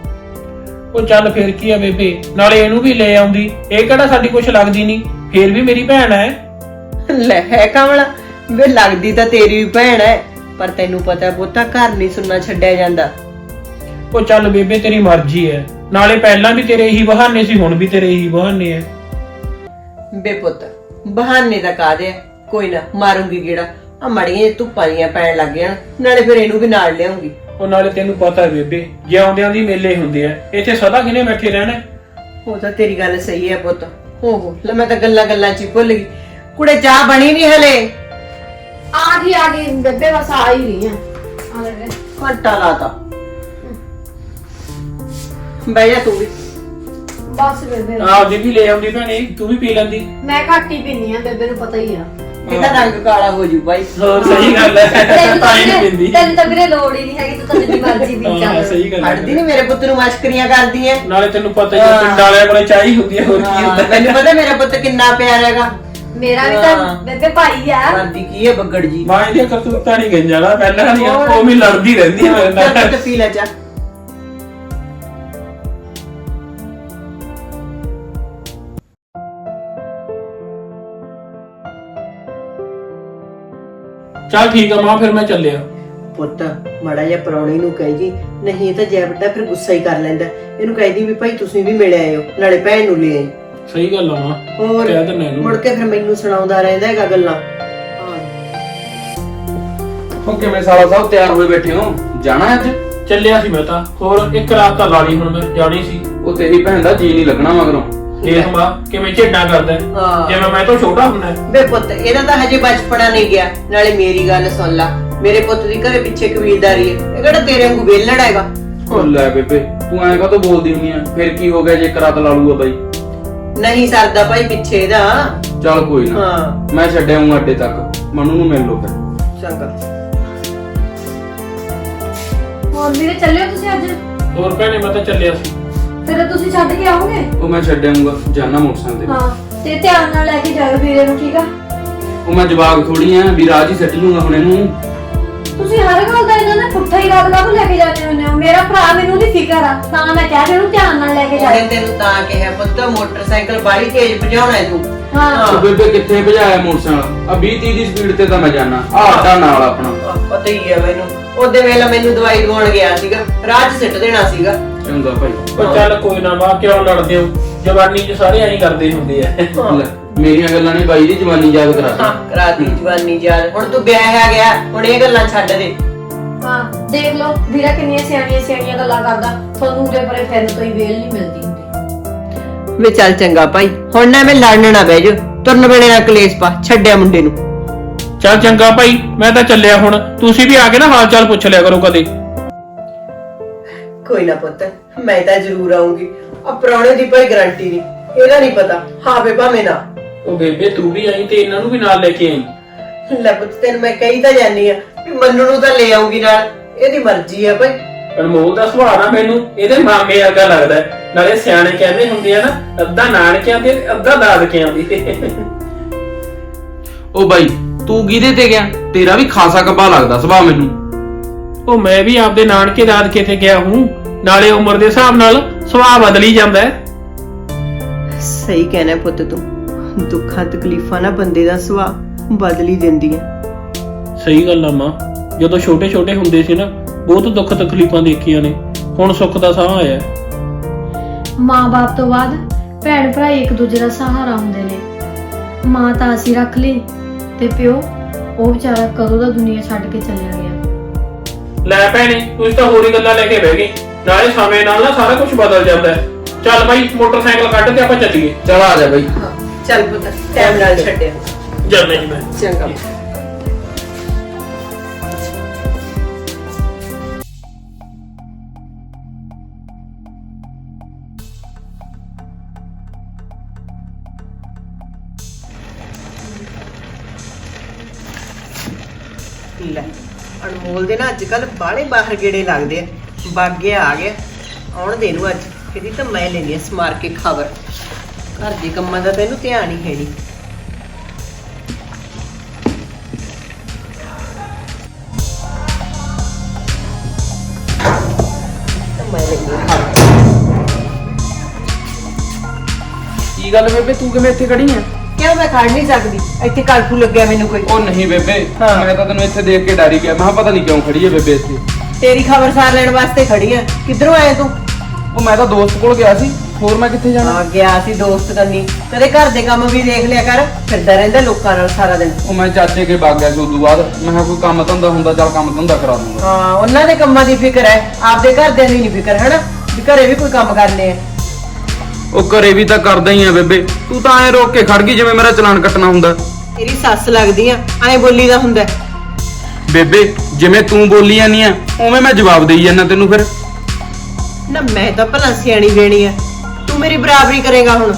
Speaker 4: ਉਹ ਚੱਲ ਫਿਰ ਕੀ ਆ ਬੇਬੇ, ਨਾਲੇ ਇਹਨੂੰ ਵੀ ਲੈ ਆਉਂਦੀ, ਇਹ ਕਿਹੜਾ ਸਾਡੀ ਕੁਛ ਲੱਗਦੀ ਨਹੀਂ, ਫੇਰ ਵੀ ਮੇਰੀ ਭੈਣ ਐ।
Speaker 1: ਲੈ ਹੈ ਕਮਲਾ, ਵੇ ਲੱਗਦੀ ਤਾਂ ਤੇਰੀ ਵੀ ਭੈਣ ਹੈ, ਪਰ ਤੈਨੂੰ ਪਤਾ ਪੁੱਤਾ ਘਰ ਨਹੀਂ ਸੁਣਨਾ ਛੱਡਿਆ ਜਾਂਦਾ।
Speaker 4: ਉਹ ਚੱਲ ਬੇਬੇ ਤੇਰੀ ਮਰਜ਼ੀ ਐ, ਨਾਲੇ ਪਹਿਲਾਂ ਵੀ ਤੇਰੇ ਇਹੀ ਬਹਾਨੇ ਸੀ, ਹੁਣ ਵੀ ਤੇਰੇ ਇਹੀ ਬਹਾਨੇ ਐ।
Speaker 1: ਬੇ ਪੁੱਤ ਬਹਾਨੇ ਦਾ ਕਾਹਦੇ ਆ, ਕੋਈ ਨਾ ਮਾਰੂੰਗੀ ਗੇੜਾ। ਆ ਮੜੀਆਂ ਧੁੱਪਾਂ ਦੀਆਂ ਪੈਣ ਲੱਗ ਜਾਣ, ਨਾਲੇ ਫਿਰ ਇਹਨੂੰ ਵੀ ਨਾਲ ਲਿਆਉਂਗੀ।
Speaker 4: ਉਹ ਨਾਲੇ ਤੈਨੂੰ ਪਤਾ ਹੈ ਬੇਬੇ, ਜਿਉਂਦਿਆਂ ਦੀ ਮੇਲੇ ਹੁੰਦੇ ਆ, ਇੱਥੇ ਸਦਾ ਕਿਨੇ ਬੈਠੇ ਰਹਿਣਾ।
Speaker 1: ਉਹ ਤਾਂ ਤੇਰੀ ਗੱਲ ਸਹੀ ਹੈ ਪੁੱਤ। ਹੋ ਹੋ ਲੈ ਮੈਂ ਤਾਂ ਗੱਲਾਂ ਗੱਲਾਂ ਚ ਹੀ ਭੁੱਲ ਗਈ। ਕੁੜੇ ਚਾਹ ਬਣੀ ਨਹੀਂ ਹਲੇ?
Speaker 2: ਆ ਗਈ ਆ ਗਈ ਬੇਬੇ, ਬਸ ਆ ਹੀ ਰਹੀ ਆ। ਆ ਲੈ ਵੇ।
Speaker 1: ਘੰਟਾ ਲਾਤਾ। ਬਹਿ ਜਾ ਤੂੰ ਵੀ।
Speaker 2: ਬਸ ਬੇਬੇ
Speaker 4: ਆਪ ਜੀ ਵੀ ਲੈ ਆਉਂਦੀ ਭੈਣੇ, ਤੂੰ ਵੀ ਪੀ ਲੈਂਦੀ।
Speaker 2: ਮੈਂ ਘੱਟ ਹੀ ਪੀਨੀ ਆ, ਬੇਬੇ ਨੂੰ ਪਤਾ ਹੀ ਆ।
Speaker 1: ਇਹਦਾ ਰੰਗ ਕਾਲਾ ਹੋ ਜੂ ਬਾਈ।
Speaker 4: ਹੋਰ ਸਹੀ ਗੱਲ ਹੈ,
Speaker 2: ਤੈਨੂੰ
Speaker 4: ਤਾਂ ਹੀ
Speaker 2: ਤਾਂ
Speaker 4: ਨਹੀਂ ਪੀਂਦੀ।
Speaker 2: ਤੈਨੂੰ ਤਾਂ ਵੀਰੇ ਲੋੜ ਹੀ ਨਹੀਂ ਹੈਗੀ, ਤੂੰ ਤਾਂ ਜਿੰਨੀ ਮਰਜ਼ੀ ਪੀ
Speaker 4: ਹਾਂ
Speaker 2: ਚੱਲ।
Speaker 4: ਸਹੀ ਗੱਲ
Speaker 1: ਹਟਦੀ
Speaker 4: ਹੈ।
Speaker 1: ਨਹੀਂ ਮੇਰੇ ਪੁੱਤ ਨੂੰ ਮਸ਼ਕਰੀਆਂ ਕਰਦੀ ਐ।
Speaker 4: ਨਾਲੇ ਤੈਨੂੰ ਪਤਾ ਹੀ ਹੈ, ਪਿੰਡ ਵਾਲਿਆਂ ਕੋਲੇ ਚਾਹ ਹੀ ਹੁੰਦੀ ਹੈ, ਹੋਰ ਕੀ ਹੁੰਦਾ।
Speaker 1: ਮੈਨੂੰ ਪਤਾ ਮੇਰਾ ਪੁੱਤ ਕਿੰਨਾ ਪਿਆਰਾ ਹੈਗਾ।
Speaker 2: ਮੇਰਾ ਵੀ ਤਾਂ ਬੇਬੇ ਭਾਈ ਆ।
Speaker 1: ਕਰਦੀ ਕੀ ਹੈ ਬੱਗੜ ਜੀ।
Speaker 4: ਮਾਂ ਇਹਦੀਆਂ ਕਰਤੂਤਾਂ ਨਹੀਂ ਗਈਆਂ ਨਾ, ਪਹਿਲਾਂ ਨਹੀਂ ਉਹ ਵੀ ਲੜਦੀ ਰਹਿੰਦੀ ਹੈ ਮੇਰੇ ਨਾਲ।
Speaker 1: ਚੱਲ ਪੁੱਤ ਪੀ ਲੈ ਚਾਹ।
Speaker 4: ਚੱਲ ਠੀਕ ਆ ਮਾਂ, ਫਿਰ ਮੈਂ ਚੱਲਿਆ।
Speaker 1: ਪੁੱਤ ਮਾੜਾ ਜਿਹਾ ਪ੍ਰਾਹੁਣੇ ਨੂੰ ਕਹੀ ਜੀ, ਨਹੀਂ ਇਹ ਤਾਂ ਜੈ ਵੱਡਾ ਫਿਰ ਗੁੱਸਾ ਹੀ ਕਰ ਲੈਂਦਾ। ਇਹਨੂੰ ਕਹਿ ਦੀ ਵੀ ਭਾਈ ਤੁਸੀਂ ਵੀ ਮਿਲ ਆਇਓ, ਨਾਲੇ ਭੈਣ ਨੂੰ ਲੈ ਆਈ।
Speaker 4: ਸਹੀ ਗੱਲ ਆ ਮਾਂ,
Speaker 1: ਹੋਰ
Speaker 4: ਕਹਿ ਦਿੰਦਾ ਇਹਨੂੰ।
Speaker 1: ਮੁੜ ਕੇ ਫਿਰ ਮੈਨੂੰ ਸੁਣਾਉਂਦਾ ਰਹਿੰਦਾ ਹੈਗਾ ਗੱਲਾਂ।
Speaker 3: ਹੋ ਕਿਵੇਂ ਸਾਲਾ ਸਾਹਿਬ ਤਿਆਰ ਹੋਏ ਬੈਠੇ ਹੋ? ਜਾਣਾ ਅੱਜ?
Speaker 4: ਚੱਲਿਆ ਸੀ ਮੈਂ ਤਾਂ, ਹੋਰ ਇੱਕ ਰਾਤ ਤਾਂ ਲਾ ਲਈ, ਹੁਣ ਮੈਂ ਜਾਣੀ ਸੀ।
Speaker 3: ਉਹ ਤੇਰੀ ਭੈਣ ਦਾ ਜੀ ਨਹੀਂ ਲੱਗਣਾ ਮਗਰੋਂ।
Speaker 4: ਦੇਖ ਮਾਂ ਕਿਵੇਂ ਝੇਡਾਂ ਕਰਦਾ ਹੈ,
Speaker 1: ਹਾਂ।
Speaker 4: ਜਿਵੇਂ ਮੈਂ ਤੋਂ ਛੋਟਾ ਹੁੰਦਾ ਹੈ।
Speaker 1: ਬੇ ਪੁੱਤ ਇਹਦਾ ਤਾਂ ਹਜੇ ਬਚਪਨਾ ਨਹੀਂ ਗਿਆ। ਨਾਲੇ ਮੇਰੀ ਗੱਲ ਸੁਣ ਲਾ, ਮੇਰੇ ਪੁੱਤ ਦੀ ਘਰੇ ਪਿੱਛੇ ਕਬੀਲਦਾਰੀ ਹੈ। ਇਹ ਕਿਹੜਾ ਤੇਰੇ ਵਾਂਗੂ ਵੇਲੜ ਹੈਗਾ।
Speaker 3: ਉਹ ਲੈ ਬੇਬੇ ਤੂੰ ਐਂ ਕਾਹਤੋਂ ਬੋਲਦੀ ਹੁੰਦੀ ਆ? ਫਿਰ ਕੀ ਹੋ ਗਿਆ ਜੇ ਇੱਕ ਰਾਤ ਲਾ ਲੂਗਾ ਬਾਈ?
Speaker 1: ਨਹੀਂ ਸਰਦਾ ਭਾਈ ਪਿੱਛੇ ਇਹਦਾ।
Speaker 3: ਚੱਲ ਕੋਈ ਨਾ,
Speaker 1: ਹਾਂ
Speaker 3: ਮੈਂ ਛੱਡਿਆ ਹੂੰ ਅੱਡੇ ਤੱਕ, ਮਨੂ ਨੂੰ ਮਿਲ ਲੋ ਫਿਰ।
Speaker 1: ਚੰਗਾ।
Speaker 2: ਹੋਰ ਵੀਰੇ ਚੱਲਿਓ ਤੁਸੀਂ ਅੱਜ?
Speaker 4: ਹੋਰ ਭੈਣੇ ਮੈਂ ਤਾਂ ਚੱਲਿਆ ਸੀ।
Speaker 2: ਫਿਰ ਤੁਸੀਂ ਛੱਡ ਕੇ ਆਓਗੇ?
Speaker 5: ਉਹ ਮੈਂ ਛੱਡ ਆਊਂਗਾ ਜਾਨਾ ਮੋਟਰਸਾਈਕਲ ਤੇ।
Speaker 2: ਹਾਂ ਤੇ ਧਿਆਨ ਨਾਲ ਲੈ ਕੇ ਜਾਇਓ ਵੀਰੇ ਨੂੰ, ਠੀਕ ਆ?
Speaker 5: ਉਹ ਮੈਂ ਜਵਾਕ ਥੋੜੀ ਆ ਵੀ ਰਾਜ ਹੀ ਸੱਟ ਲੂੰਗਾ ਹੁਣ ਇਹਨੂੰ।
Speaker 2: ਤੁਸੀਂ ਹਰ ਗੱਲ ਦਾ ਇਹਨਾਂ ਨੇ ਪੁੱਠਾ ਹੀ ਗੱਲ ਕਾਹਨੂੰ ਲੈ ਕੇ ਜਾਂਦੇ ਹੁੰਦੇ ਹੋ? ਮੇਰਾ ਭਰਾ ਮੈਨੂੰ ਦੀ ਫਿਕਰ ਆ, ਤਾਂ ਮੈਂ ਕਹਿ ਰਹੀ ਉਹਨੂੰ ਧਿਆਨ ਨਾਲ ਲੈ ਕੇ
Speaker 1: ਉਹਨੇ
Speaker 2: ਜਾਇਓ।
Speaker 1: ਤੈਨੂੰ ਤਾਂ ਕਿਹਾ ਪੁੱਤ ਮੋਟਰਸਾਈਕਲ ਬਾਹਲੀ ਤੇਜ਼ ਭਜਾਉਣਾ ਹੈ ਤੂੰ।
Speaker 2: ਹਾਂ
Speaker 5: ਉਹ ਬੇਬੇ ਕਿੱਥੇ ਭਜਾਇਆ ਮੋਟਰਸਾਈਕਲ? ਆ ਵੀਹ ਤੀਹ ਦੀ ਸਪੀਡ ਤੇ ਤਾਂ ਮੈਂ ਜਾਣਾ। ਆ ਆਟਾ ਨਾਲ ਆਪਣਾ।
Speaker 1: ਆਹ, ਪਤਾ ਹੀ ਹੈ ਮੈਨੂੰ। ਉਹਦੇ ਵੇਲੇ ਮੈਨੂੰ ਦਵਾਈ ਦਵਾਉਣ ਗਿਆ ਸੀਗਾ, ਰਾਹ 'ਚ ਸਿੱਟ ਦੇਣਾ ਸੀਗਾ।
Speaker 5: ਚੰਗਾ ਭਾਈ।
Speaker 4: ਉਹ ਚੱਲ ਕੋਈ ਨਾ ਮਾਂ, ਕਿਉਂ ਲੜਦੇ ਹੋ? ਜਵਾਨੀ 'ਚ ਸਾਰੇ ਐਂ ਕਰਦੇ ਹੁੰਦੇ ਆ।
Speaker 5: ਲੈ, ਮੇਰੀਆਂ ਗੱਲਾਂ ਨੇ ਬਾਈ ਦੀ ਜਵਾਨੀ ਯਾਦ ਕਰਾ
Speaker 1: ਹਾਂ
Speaker 5: ਦਿੱਤੀ।
Speaker 1: ਕਰਾਤੀ ਜਵਾਨੀ ਯਾਦ। ਹੁਣ ਤੂੰ ਵਿਆਹ ਆ ਗਿਆ, ਹੁਣ ਇਹ ਗੱਲਾਂ ਛੱਡ ਦੇ।
Speaker 2: ਹਾਂ ਦੇਖ ਲਓ ਵੀਰਾ ਕਿੰਨੀਆਂ ਸਿਆਣੀਆਂ ਸਿਆਣੀਆਂ ਗੱਲਾਂ ਕਰਦਾ, ਤੁਹਾਨੂੰ ਉਹਦੇ ਪਰੇ ਫਿਰਨ ਤੋਂ ਹੀ ਵੇਲ ਨਹੀਂ ਮਿਲਦੀ ਹੁੰਦੀ।
Speaker 1: ਵੇ ਚੱਲ ਚੰਗਾ ਭਾਈ, ਹੁਣ ਨਾ ਮੈਂ ਲੜਨ ਨਾ ਬਹਿ ਜਾ। ਤੁਰਨ ਵੇਲੇ ਨਾ ਕਲੇਸ਼ ਪਾ, ਛੱਡਿਆ ਮੁੰਡੇ ਨੂੰ।
Speaker 4: ਚੱਲ ਚੰਗਾ ਭਾਈ, ਮੈਂ ਤਾਂ ਚੱਲਿਆ ਹੁਣ। ਤੁਸੀਂ ਵੀ ਆ ਕੇ ਨਾ ਹਾਲ ਚਾਲ ਪੁੱਛ ਲਿਆ ਕਰੋ ਕਦੇ।
Speaker 1: ਕੋਈ ਨਾ ਪੁੱਤ, ਮੈਂ ਤਾਂ ਜ਼ਰੂਰ ਆਉਂਗੀ। ਆ ਪ੍ਰਾਹੁਣੇ ਦੀ ਭਾਈ ਗਾਰੰਟੀ ਨਹੀਂ, ਇਹਦਾ ਨਹੀਂ ਪਤਾ। ਹਾਂ ਵੇ ਭਾਵੇਂ ਨਾ।
Speaker 4: ਉਹ ਬੇਬੇ ਤੂੰ ਵੀ ਆਈ ਤੇ ਇਹਨਾਂ ਨੂੰ ਵੀ ਨਾਲ ਲੈ ਕੇ ਆਈ।
Speaker 1: ਲੈ ਪੁੱਤ ਤੈਨੂੰ ਮੈਂ ਕਹੀ ਤਾਂ ਜਾਨੀ ਆ ਵੀ ਮੰਨੂ ਨੂੰ ਤਾਂ ਲੈ ਆਉਂਗੀ ਨਾਲ, ਇਹਦੀ ਮਰਜ਼ੀ ਆ ਭਾਈ।
Speaker 4: ਅਨਮੋਲ ਦਾ ਸੁਭਾਅ ਨਾ ਮੈਨੂੰ ਇਹਦੇ ਮਾਮੇ ਵਰਗਾ ਲੱਗਦਾ ਹੈ। ਨਾਲੇ ਸਿਆਣੇ ਕਹਿੰਦੇ ਹੁੰਦੇ ਆ ਨਾ, ਅੱਧਾ ਨਾਨਕਿਆਂ ਤੇ ਅੱਧਾ ਦਾਦਕਿਆਂ ਦੀ।
Speaker 5: ਉਹ ਬਾਈ ਤੂੰ ਕਿਹਦੇ ਤੇ ਗਿਆ? ਤੇਰਾ ਵੀ ਖਾਸਾ ਕੱਬਾ ਲੱਗਦਾ ਸੁਭਾਅ ਮੈਨੂੰ।
Speaker 4: ਉਹ ਮੈਂ ਵੀ ਆਪਦੇ ਨਾਨਕੇ ਦਾਦਕੇ ਤੇ ਗਿਆ ਹੂੰ। ਨਾਲੇ ਉਮਰ ਦੇ ਹਿਸਾਬ ਨਾਲ ਸੁਭਾਅ ਬਦਲੀ ਜਾਂਦਾ ਹੈ।
Speaker 1: ਸਹੀ ਕਹਿਣਾ ਪੁੱਤ ਤੂੰ। ਦੁੱਖਾਂ ਤਕਲੀਫਾਂ ਨਾ ਬੰਦੇ ਦਾ ਸੁਭਾਅ ਬਦਲੀ ਦਿੰਦੀਆਂ।
Speaker 4: ਸਹੀ ਗੱਲ ਆ ਮਾਂ, ਜਦੋਂ ਛੋਟੇ ਛੋਟੇ ਹੁੰਦੇ ਸੀ ਨਾ, ਬਹੁਤ ਦੁੱਖ ਤਕਲੀਫਾਂ ਦੇਖੀਆਂ ਨੇ। ਹੁਣ ਸੁੱਖ ਦਾ ਸਾਹ ਆਇਆ।
Speaker 2: ਮਾਂ-ਬਾਪ ਤੋਂ ਬਾਅਦ ਭੈਣ ਭਰਾ ਇੱਕ ਦੂਜੇ ਦਾ ਸਹਾਰਾ ਹੁੰਦੇ ਨੇ। ਮਾਂ ਤਾਂ ਅਸੀਂ ਰੱਖ ਲਈ ਤੇ ਪਿਓ, ਉਹ ਵਿਚਾਰਾ ਕਦੋਂ ਦਾ ਦੁਨੀਆ ਛੱਡ ਕੇ ਚਲਿਆ ਗਿਆ।
Speaker 4: ਲੈ ਭੈਣੇ, ਤੁਸੀਂ ਤਾਂ ਹੋਰ ਹੀ ਗੱਲਾਂ ਲੈ ਕੇ ਬਹਿ ਗਈ। ਨਾਲੇ ਸਮੇਂ ਨਾਲ ਨਾ ਸਾਰਾ ਕੁਝ ਬਦਲ ਜਾਂਦਾ ਹੈ। ਚੱਲ ਬਾਈ ਮੋਟਰਸਾਈਕਲ ਕੱਢ ਤੇ ਆਪਾਂ ਚੱਲੀਏ।
Speaker 5: ਚਲ ਆ ਜਾ ਬਾਈ।
Speaker 1: ਚੱਲ ਪੁੱਤ ਟਾਈਮ ਨਾਲ ਛੱਡਿਆ।
Speaker 4: ਚੱਲਦੇ ਜੀ ਮੈਂ।
Speaker 1: ਚੰਗਾ। ਲੈ ਅਨਮੋਲ ਦੇ ਨਾ ਅੱਜ ਕੱਲ ਬਾਹਲੇ ਬਾਹਰ ਗੇੜੇ ਲੱਗਦੇ ਆ। ਬਾਗਿਆ ਆ ਗਿਆ, ਆਉਣ ਦੇ ਨੂੰ ਅੱਜ। ਇਹਦੀ ਤਾਂ ਮੈਂ ਲੈਣੀ ਆ ਸਮਾਰ ਕੇ ਖਬਰ। ਘਰ ਦੇ ਕੰਮਾਂ ਦਾ ਤੈਨੂੰ ਧਿਆਨ ਹੀ ਹੈ ਨਹੀਂ। ਮੈਂ ਲੈਣੀ ਆ ਖਬਰ।
Speaker 5: ਕੀ ਗੱਲ ਬੇਬੇ ਤੂੰ ਕਿਵੇਂ ਇੱਥੇ ਖੜੀ ਆ?
Speaker 1: ਕਿਉਂ ਮੈਂ ਖੜ ਨਹੀਂ ਸਕਦੀ? ਇੱਥੇ ਕਰਫੂ ਲੱਗਿਆ ਮੈਨੂੰ ਕੋਈ।
Speaker 5: ਉਹ ਨਹੀਂ ਬੇਬੇ,
Speaker 1: ਹਾਂ।
Speaker 5: ਮੈਂ ਤਾਂ ਤੈਨੂੰ ਇੱਥੇ ਦੇਖ ਕੇ ਡਰ ਹੀ ਗਿਆ। ਮੈਂ ਕਿਹਾ ਪਤਾ ਨਹੀਂ ਕਿਉਂ ਖੜੀ ਹੈ ਬੇਬੇ ਇੱਥੇ।
Speaker 1: ਤੇਰੀ ਖਬਰਸਾਰ ਲੈਣ ਵਾਸਤੇ ਖੜੀ ਆ। ਕਿੱਧਰੋਂ ਆਇਆ ਤੂੰ?
Speaker 5: ਉਹ ਮੈਂ ਤਾਂ ਦੋਸਤ ਕੋਲ ਗਿਆ ਸੀ, ਹੋਰ ਮੈਂ ਕਿੱਥੇ ਜਾਣਾ?
Speaker 1: ਆ ਗਿਆ ਸੀ ਦੋਸਤ ਕਰਨੀ। ਕਦੇ ਘਰ ਦੇ ਕੰਮ ਵੀ ਦੇਖ ਲਿਆ ਕਰ, ਫਿਰਦਾ ਰਹਿੰਦਾ ਲੋਕਾਂ ਨਾਲ ਸਾਰਾ ਦਿਨ।
Speaker 5: ਉਹ ਮੈਂ ਚਾਚੇ ਕੇ ਬਾਗ ਗਿਆ ਸੀ ਉਦੋਂ ਬਾਅਦ। ਮੈਂ ਕਿਹਾ ਕੋਈ ਕੰਮ ਧੰਦਾ ਹੁੰਦਾ, ਚੱਲ ਕੰਮ ਧੰਦਾ ਕਰਾ ਦੂੰਗਾ।
Speaker 1: ਹਾਂ ਉਹਨਾਂ ਦੇ ਕੰਮਾਂ ਦੀ ਫਿਕਰ ਹੈ, ਆਪਦੇ ਘਰਦਿਆਂ ਦੀ ਨਹੀਂ ਫਿਕਰ, ਹਨਾ ਵੀ ਘਰੇ ਵੀ ਕੋਈ ਕੰਮ ਕਰਨੇ ਆ।
Speaker 5: ਉਹ ਘਰੇ ਵੀ ਤਾਂ ਕਰਦਾ ਹੀ ਆ ਬੇਬੇ। ਤੂੰ ਤਾਂ ਐ ਰੋਕ ਕੇ ਖੜ ਗਈ ਜਿਵੇਂ ਮੇਰਾ ਚਲਾਨ ਕੱਟਣਾ ਹੁੰਦਾ।
Speaker 1: ਤੇਰੀ ਸੱਸ ਲੱਗਦੀ ਆ, ਐਂ ਬੋਲੀ ਦਾ ਹੁੰਦਾ।
Speaker 5: ਬੇਬੇ ਜਿਵੇਂ ਤੂੰ ਬੋਲੀ ਜਾਂਦੀ ਆ ਉਵੇਂ ਮੈਂ ਜਵਾਬ ਦੇਈ ਜਾਂਦਾ ਤੈਨੂੰ। ਫਿਰ
Speaker 1: ਨਾ ਮੈਂ ਤਾਂ ਭਲਾ ਸਿਆਣੀ ਬੇਣੀ ਆ, ਤੂੰ ਮੇਰੀ ਬਰਾਬਰੀ ਕਰੇਗਾ ਹੁਣ?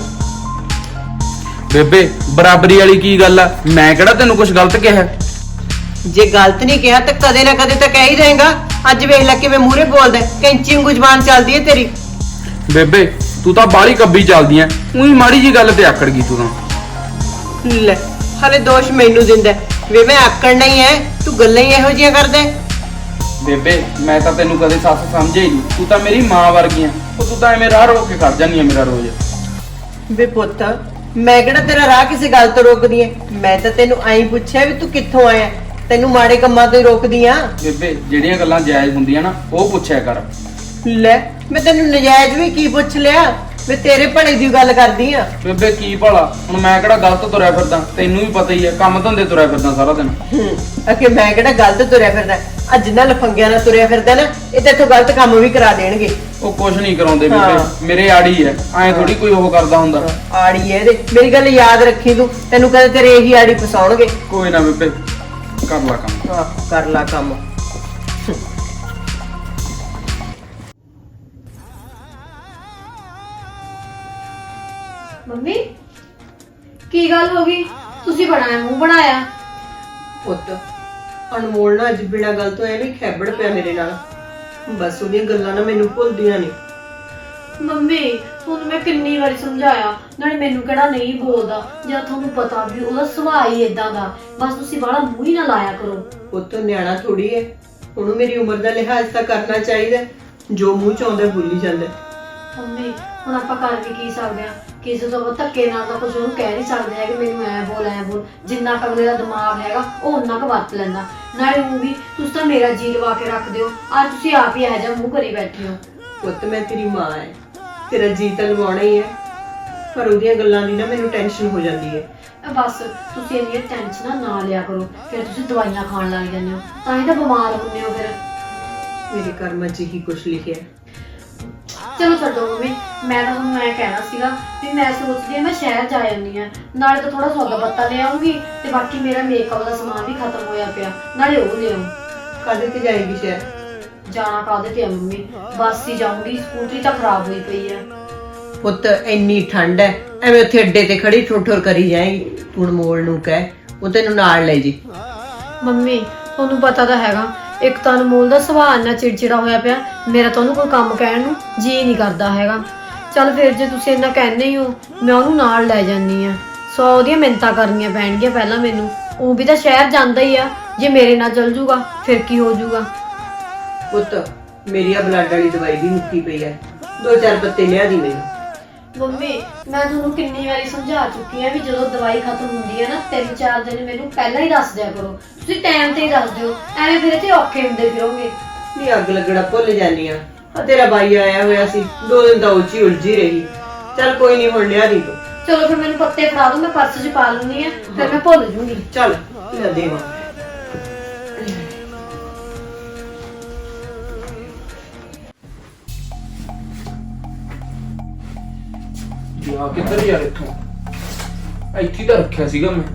Speaker 5: ਬੇਬੇ ਬਰਾਬਰੀ ਵਾਲੀ ਕੀ ਗੱਲ ਆ? ਮੈਂ ਕਿਹੜਾ ਤੈਨੂੰ ਕੁਝ ਗਲਤ ਕਿਹਾ?
Speaker 1: ਜੇ ਗਲਤ ਨਹੀਂ ਕਿਹਾ ਤਾਂ ਕਦੇ ਨਾ ਕਦੇ ਤਾਂ ਕਹਿ ਹੀ ਦੇਗਾ। ਅੱਜ ਵੇਖ ਲੈ ਕਿਵੇਂ ਮੂਹਰੇ ਬੋਲਦਾ, ਕੈਂਚੀ ਵਾਂਗੂ ਜ਼ੁਬਾਨ ਚੱਲਦੀ ਹੈ ਤੇਰੀ।
Speaker 5: ਬੇਬੇ ਤੂੰ ਤਾਂ ਬਾਹਲੀ ਕੱਬੀ ਚੱਲਦੀ ਐ। ਉਹੀ ਮਾੜੀ ਜੀ ਗੱਲ ਤੇ ਆਕੜ ਗਈ ਤੂੰ ਤਾਂ।
Speaker 1: ਲੈ ਹਲੇ ਦੋਸ਼ ਮੈਨੂੰ ਦਿੰਦਾ ਵੇ, ਮੈਂ ਆਕੜ ਨਹੀਂ ਐ, ਤੂੰ ਗੱਲਾਂ ਹੀ ਇਹੋ ਜਿਹੀਆਂ ਕਰਦਾ।
Speaker 5: ਬੇਬੇ ਮੈਂ ਤਾਂ ਤੈਨੂੰ ਕਦੇ ਸੱਸ ਸਮਝਿਆ ਹੀ ਨਹੀਂ। ਤੂੰ ਤਾਂ ਮੇਰੀ ਮਾਂ ਵਰਗੀ ਆ। ਉਹ ਤੂੰ ਤਾਂ ਐਵੇਂ ਰਾਹ ਰੋਕ ਕੇ ਖੜ ਜਾਂਦੀ ਆ ਮੇਰਾ ਰੋਜ਼।
Speaker 1: ਵੇ ਪੁੱਤ ਮੈਂ ਕਿਹੜਾ ਤੇਰਾ ਰਾਹ ਕਿਸੇ ਗੱਲ ਤੋਂ ਰੋਕਦੀ ਐ? ਮੈਂ ਤਾਂ ਤੈਨੂੰ ਐਂ ਪੁੱਛਿਆ ਵੀ ਤੂੰ ਕਿੱਥੋਂ ਆਇਆ। ਤੈਨੂੰ ਮਾੜੇ ਕੰਮਾਂ ਤੋਂ ਹੀ ਰੋਕਦੀ ਆ।
Speaker 5: ਬੇਬੇ ਜਿਹੜੀਆਂ ਗੱਲਾਂ ਜਾਇਜ਼ ਹੁੰਦੀਆਂ ਨਾ ਉਹ ਪੁੱਛਿਆ ਕਰ।
Speaker 1: ਲੈ ਮੈਂ ਤੈਨੂੰ ਨਜਾਇਜ਼ ਵੀ ਕੀ ਪੁੱਛ ਲਿਆ? ਮੈਂ ਤੇਰੇ ਭਲੇ ਦੀ ਗੱਲ ਕਰਦੀ ਆ।
Speaker 5: ਬੇਬੇ ਕੀ ਭਲਾ, ਹੁਣ ਮੈਂ ਕਿਹੜਾ ਗਲਤ ਤੁਰਿਆ ਫਿਰਦਾ? ਤੈਨੂੰ ਵੀ ਪਤਾ ਹੀ ਆ, ਕੰਮ ਧੰਦੇ ਤੁਰਿਆ ਫਿਰਦਾ ਸਾਰਾ ਦਿਨ।
Speaker 1: ਹੂੰ ਅਕੇ ਮੈਂ ਕਿਹੜਾ ਗਲਤ ਤੁਰਿਆ ਫਿਰਦਾ? ਅੱਜ ਨਾ ਲਫੰਗਿਆਂ ਨਾਲ ਤੁਰਿਆ ਫਿਰਦਾ ਨਾ, ਇਹ ਤੇ ਇੱਥੋਂ ਗਲਤ ਕੰਮ ਵੀ ਕਰਾ ਦੇਣਗੇ।
Speaker 5: ਉਹ ਕੁਛ ਨਹੀਂ ਕਰਾਉਂਦੇ
Speaker 1: ਹਾਂ।
Speaker 5: ਬੇਬੇ, ਮੇਰੇ ਆੜੀ ਐ। ਐਂ ਥੋੜੀ ਕੋਈ ਉਹ ਕਰਦਾ ਹੁੰਦਾ।
Speaker 1: ਆੜੀ ਐ ਇਹਦੇ। ਮੇਰੀ ਗੱਲ ਯਾਦ ਰੱਖੀ ਤੂੰ, ਤੈਨੂੰ ਕਦੇ ਤੇਰੇ ਇਹੀ ਆੜੀ ਫਸਾਉਣਗੇ।
Speaker 5: ਕੋਈ ਨਾ ਬੇਬੇ ਕਰ ਲਾ ਕੰਮ।
Speaker 1: ਹਾਂ ਕਰ ਲਾ ਕੰਮ।
Speaker 2: ਮੰਮੀ ਕੀ ਗੱਲ ਹੋ ਗਈ? ਤੁਸੀਂ ਬਣਾਇਆ ਮੂੰਹ ਬਣਾਇਆ।
Speaker 1: ਪੁੱਤ ਅਨਮੋਲ ਨਾ ਅੱਜ ਬਿਨਾਂ ਗੱਲ ਤੋਂ ਐਵੇਂ ਖੈਬੜ ਪਿਆ ਮੇਰੇ ਨਾਲ। ਬਸ ਉਹਦੀਆਂ ਗੱਲਾਂ ਨਾ ਮੈਨੂੰ ਭੁੱਲਦੀਆਂ ਨਹੀਂ।
Speaker 2: ਮੰਮੀ ਤੁਹਾਨੂੰ ਮੈਂ ਕਿੰਨੀ ਵਾਰੀ ਸਮਝਾਇਆ, ਨਾਲੇ ਮੈਨੂੰ ਕਿਹੜਾ ਨਹੀਂ ਬੋਲਦਾ, ਜਾਂ ਤੁਹਾਨੂੰ ਪਤਾ ਵੀ ਉਹਦਾ ਸੁਭਾਅ ਹੀ ਇਦਾਂ ਦਾ, ਬਸ ਤੁਸੀਂ ਬਾਹਲਾ ਮੂੰਹ ਹੀ ਨਾ ਲਾਇਆ ਕਰੋ।
Speaker 1: ਪੁੱਤ ਨਿਆਣਾ ਥੋੜੀ ਹੈ, ਉਹਨੂੰ ਮੇਰੀ ਉਮਰ ਦਾ ਲਿਹਾਜ਼ ਤਾਂ ਕਰਨਾ ਚਾਹੀਦਾ, ਜੋ ਮੂੰਹ ਚ ਆਉਂਦਾ ਬੋਲੀ ਜਾਂਦਾ।
Speaker 2: ਮੰਮੀ ਹੁਣ ਆਪਾਂ ਕਰ ਵੀ ਕੀ ਸਕਦੇ ਆ, ਕਿਸੇ ਤੋਂ ਧੱਕੇ ਨਾਲ ਤਾਂ ਕੁਝ ਉਹਨੂੰ ਕਹਿ ਨਹੀਂ ਸਕਦੇ ਹੈ ਕਿ ਮੈਨੂੰ ਐ ਬੋਲ ਐ ਬੋਲ। ਜਿੰਨਾ ਕੁ ਅਗਲੇ ਦਾ ਦਿਮਾਗ ਹੈਗਾ ਉਹ ਉਹਨਾਂ ਕੁ ਵਰਤ ਲੈਂਦਾ। ਨਾਲੇ ਉਹ ਵੀ ਤੁਸੀਂ ਤਾਂ ਮੇਰਾ ਜੀ ਲਵਾ ਕੇ ਰੱਖਦੇ ਹੋ, ਅੱਜ ਤੁਸੀਂ ਆਪ ਹੀ ਇਹੋ ਜਿਹਾ ਮੂੰਹ ਕਰੀ ਬੈਠੇ ਹੋ।
Speaker 1: ਪੁੱਤ ਮੈਂ ਤੇਰੀ ਮਾਂ ਐ, ਤੇਰਾ ਜੀ ਤਾਂ ਲਵਾਉਣਾ ਹੀ ਹੈ, ਪਰ ਉਹਦੀਆਂ ਗੱਲਾਂ ਦੀ ਨਾ ਮੈਨੂੰ ਟੈਨਸ਼ਨ ਹੋ ਜਾਂਦੀ ਹੈ।
Speaker 2: ਬਸ ਤੁਸੀਂ ਇੰਨੀਆਂ ਟੈਨਸ਼ਨਾਂ ਨਾ ਲਿਆ ਕਰੋ, ਫਿਰ ਤੁਸੀਂ ਦਵਾਈਆਂ ਖਾਣ ਲੱਗ ਜਾਂਦੇ ਹੋ, ਤਾਂ ਹੀ ਤਾਂ ਬਿਮਾਰ ਹੁੰਦੇ ਹੋ ਫਿਰ।
Speaker 1: ਮੇਰੇ ਕਰਮਾਂ 'ਚ ਹੀ ਕੁਝ ਲਿਖਿਆ।
Speaker 2: ਚਲੋ ਛੱਡੋ ਮੰਮੀ, ਮੈਂ ਤਾਂ ਤੁਹਾਨੂੰ ਮੈਂ ਕਹਿਣਾ ਸੀਗਾ ਵੀ ਮੈਂ ਸੋਚਦੀ ਹਾਂ ਮੈਂ ਸ਼ਹਿਰ ਜਾ ਜਾਂਦੀ ਹਾਂ, ਨਾਲੇ ਤਾਂ ਥੋੜਾ ਸੌਦਾ ਪੱਤਾ ਲੈ ਆਉਂਗੀ, ਤੇ ਬਾਕੀ ਮੇਰਾ ਮੇਕਅਪ ਦਾ ਸਮਾਨ ਵੀ ਖਤਮ ਹੋਇਆ ਪਿਆ, ਨਾਲੇ ਉਹ ਲੈ ਆਉਂ।
Speaker 1: ਕਾਹਦੇ ਤੇ ਜਾਏਗੀ ਸ਼ਹਿਰ?
Speaker 2: ਜਾਣਾ ਕਾਹਦੇ ਤੇ ਆ ਮੰਮੀ, ਬੱਸ ਹੀ ਜਾਊਂਗੀ, ਸਕੂਟਰੀ ਤਾਂ ਖਰਾਬ ਹੋਈ ਪਈ ਆ।
Speaker 1: ਪੁੱਤ ਇੰਨੀ ਠੰਡ ਹੈ, ਐਵੇਂ ਉੱਥੇ ਅੱਡੇ ਤੇ ਖੜੀ ਠੋਠਰ ਕਰੀ ਜਾਏਗੀ। ਹੁਣ ਮੋੜ ਨੂੰ ਕਹਿ ਉਹ ਤੈਨੂੰ ਨਾਲ ਲੈ ਜੀ।
Speaker 2: ਮੰਮੀ ਤੁਹਾਨੂੰ ਪਤਾ ਤਾਂ ਹੈਗਾ, ਇੱਕ ਤਾਂ ਅਨਮੋਲ ਦਾ ਸੁਭਾਅ ਇੰਨਾ ਚਿੜਚਿੜਾ ਹੋਇਆ ਪਿਆ, ਮੇਰਾ ਤਾਂ ਉਹਨੂੰ ਕੋਈ ਕੰਮ ਕਹਿਣ ਨੂੰ ਜੀ ਨਹੀਂ ਕਰਦਾ ਹੈਗਾ। ਚੱਲ ਫਿਰ ਜੇ ਤੁਸੀਂ ਇੰਨਾ ਕਹਿੰਦੇ ਹੀ ਹੋ, ਮੈਂ ਉਹਨੂੰ ਨਾਲ ਲੈ ਜਾਂਦੀ ਆ। ਸੌ ਉਹਦੀਆਂ ਮਿੰਨਤਾਂ ਕਰਨੀਆਂ ਪੈਣਗੀਆਂ ਪਹਿਲਾਂ ਮੈਨੂੰ, ਉਹ ਵੀ ਤਾਂ ਸ਼ਹਿਰ ਜਾਂਦਾ ਹੀ ਆ, ਜੇ ਮੇਰੇ ਨਾਲ ਚੱਲ ਜੂਗਾ ਫਿਰ ਕੀ ਹੋ ਜੂਗਾ।
Speaker 1: ਪੁੱਤ ਮੇਰੀ ਆ ਬਲੱਡ ਵਾਲੀ ਦਵਾਈ ਵੀ ਮੁੱਕੀ ਪਈ ਹੈ, ਦੋ ਚਾਰ ਪੱਤੇ ਲਿਆ ਦੀ ਮੈਨੂੰ।
Speaker 2: ਮੰਮੀ ਮੈਂ ਤੁਹਾਨੂੰ ਕਿੰਨੀ ਵਾਰੀ ਸਮਝਾ ਚੁੱਕੀ ਆ ਵੀ ਜਦੋਂ ਦਵਾਈ ਖਤਮ ਹੁੰਦੀ ਹੈ ਨਾ, ਤਿੰਨ ਚਾਰ ਦਿਨ ਮੈਨੂੰ ਪਹਿਲਾਂ ਹੀ ਦੱਸ ਦਿਆ ਕਰੋ, ਤੁਸੀਂ ਟਾਈਮ ਤੇ ਹੀ ਦੱਸ ਦਿਓ, ਐਵੇਂ ਫਿਰ ਇੱਥੇ ਔਖੇ ਹੁੰਦੇ ਫਿਰੋਗੇ।
Speaker 1: ਨਹੀਂ ਅੱਗ ਲੱਗਣਾ ਭੁੱਲ ਜਾਨੀ ਆ। ਆ ਤੇਰਾ ਬਾਈ ਆਇਆ ਹੋਇਆ ਸੀ, ਦੋ ਦਿਨ ਤਾਂ ਉੱਚੀ ਉਲਝੀ ਰਹੀ। ਚੱਲ ਕੋਈ ਨਹੀਂ, ਹੁਣ ਲਿਆ ਦੀ ਤੂੰ।
Speaker 2: ਚਲੋ ਫਿਰ ਮੈਨੂੰ ਪੱਤੇ ਫੜਾ ਦਿਓ, ਮੈਂ ਪਰਸ 'ਚ ਪਾ ਲੈਂਦੀ ਆ, ਫਿਰ ਮੈਂ ਭੁੱਲ ਜੂੰਗੀ।
Speaker 1: ਚੱਲ ਲੈ ਦੇਵਾਂ।
Speaker 3: ਯਾ ਕਿੱਧਰ ਯਾਰ, ਇੱਥੋਂ ਇੱਥੇ ਤਾਂ ਰੱਖਿਆ ਸੀਗਾ ਮੈਂ।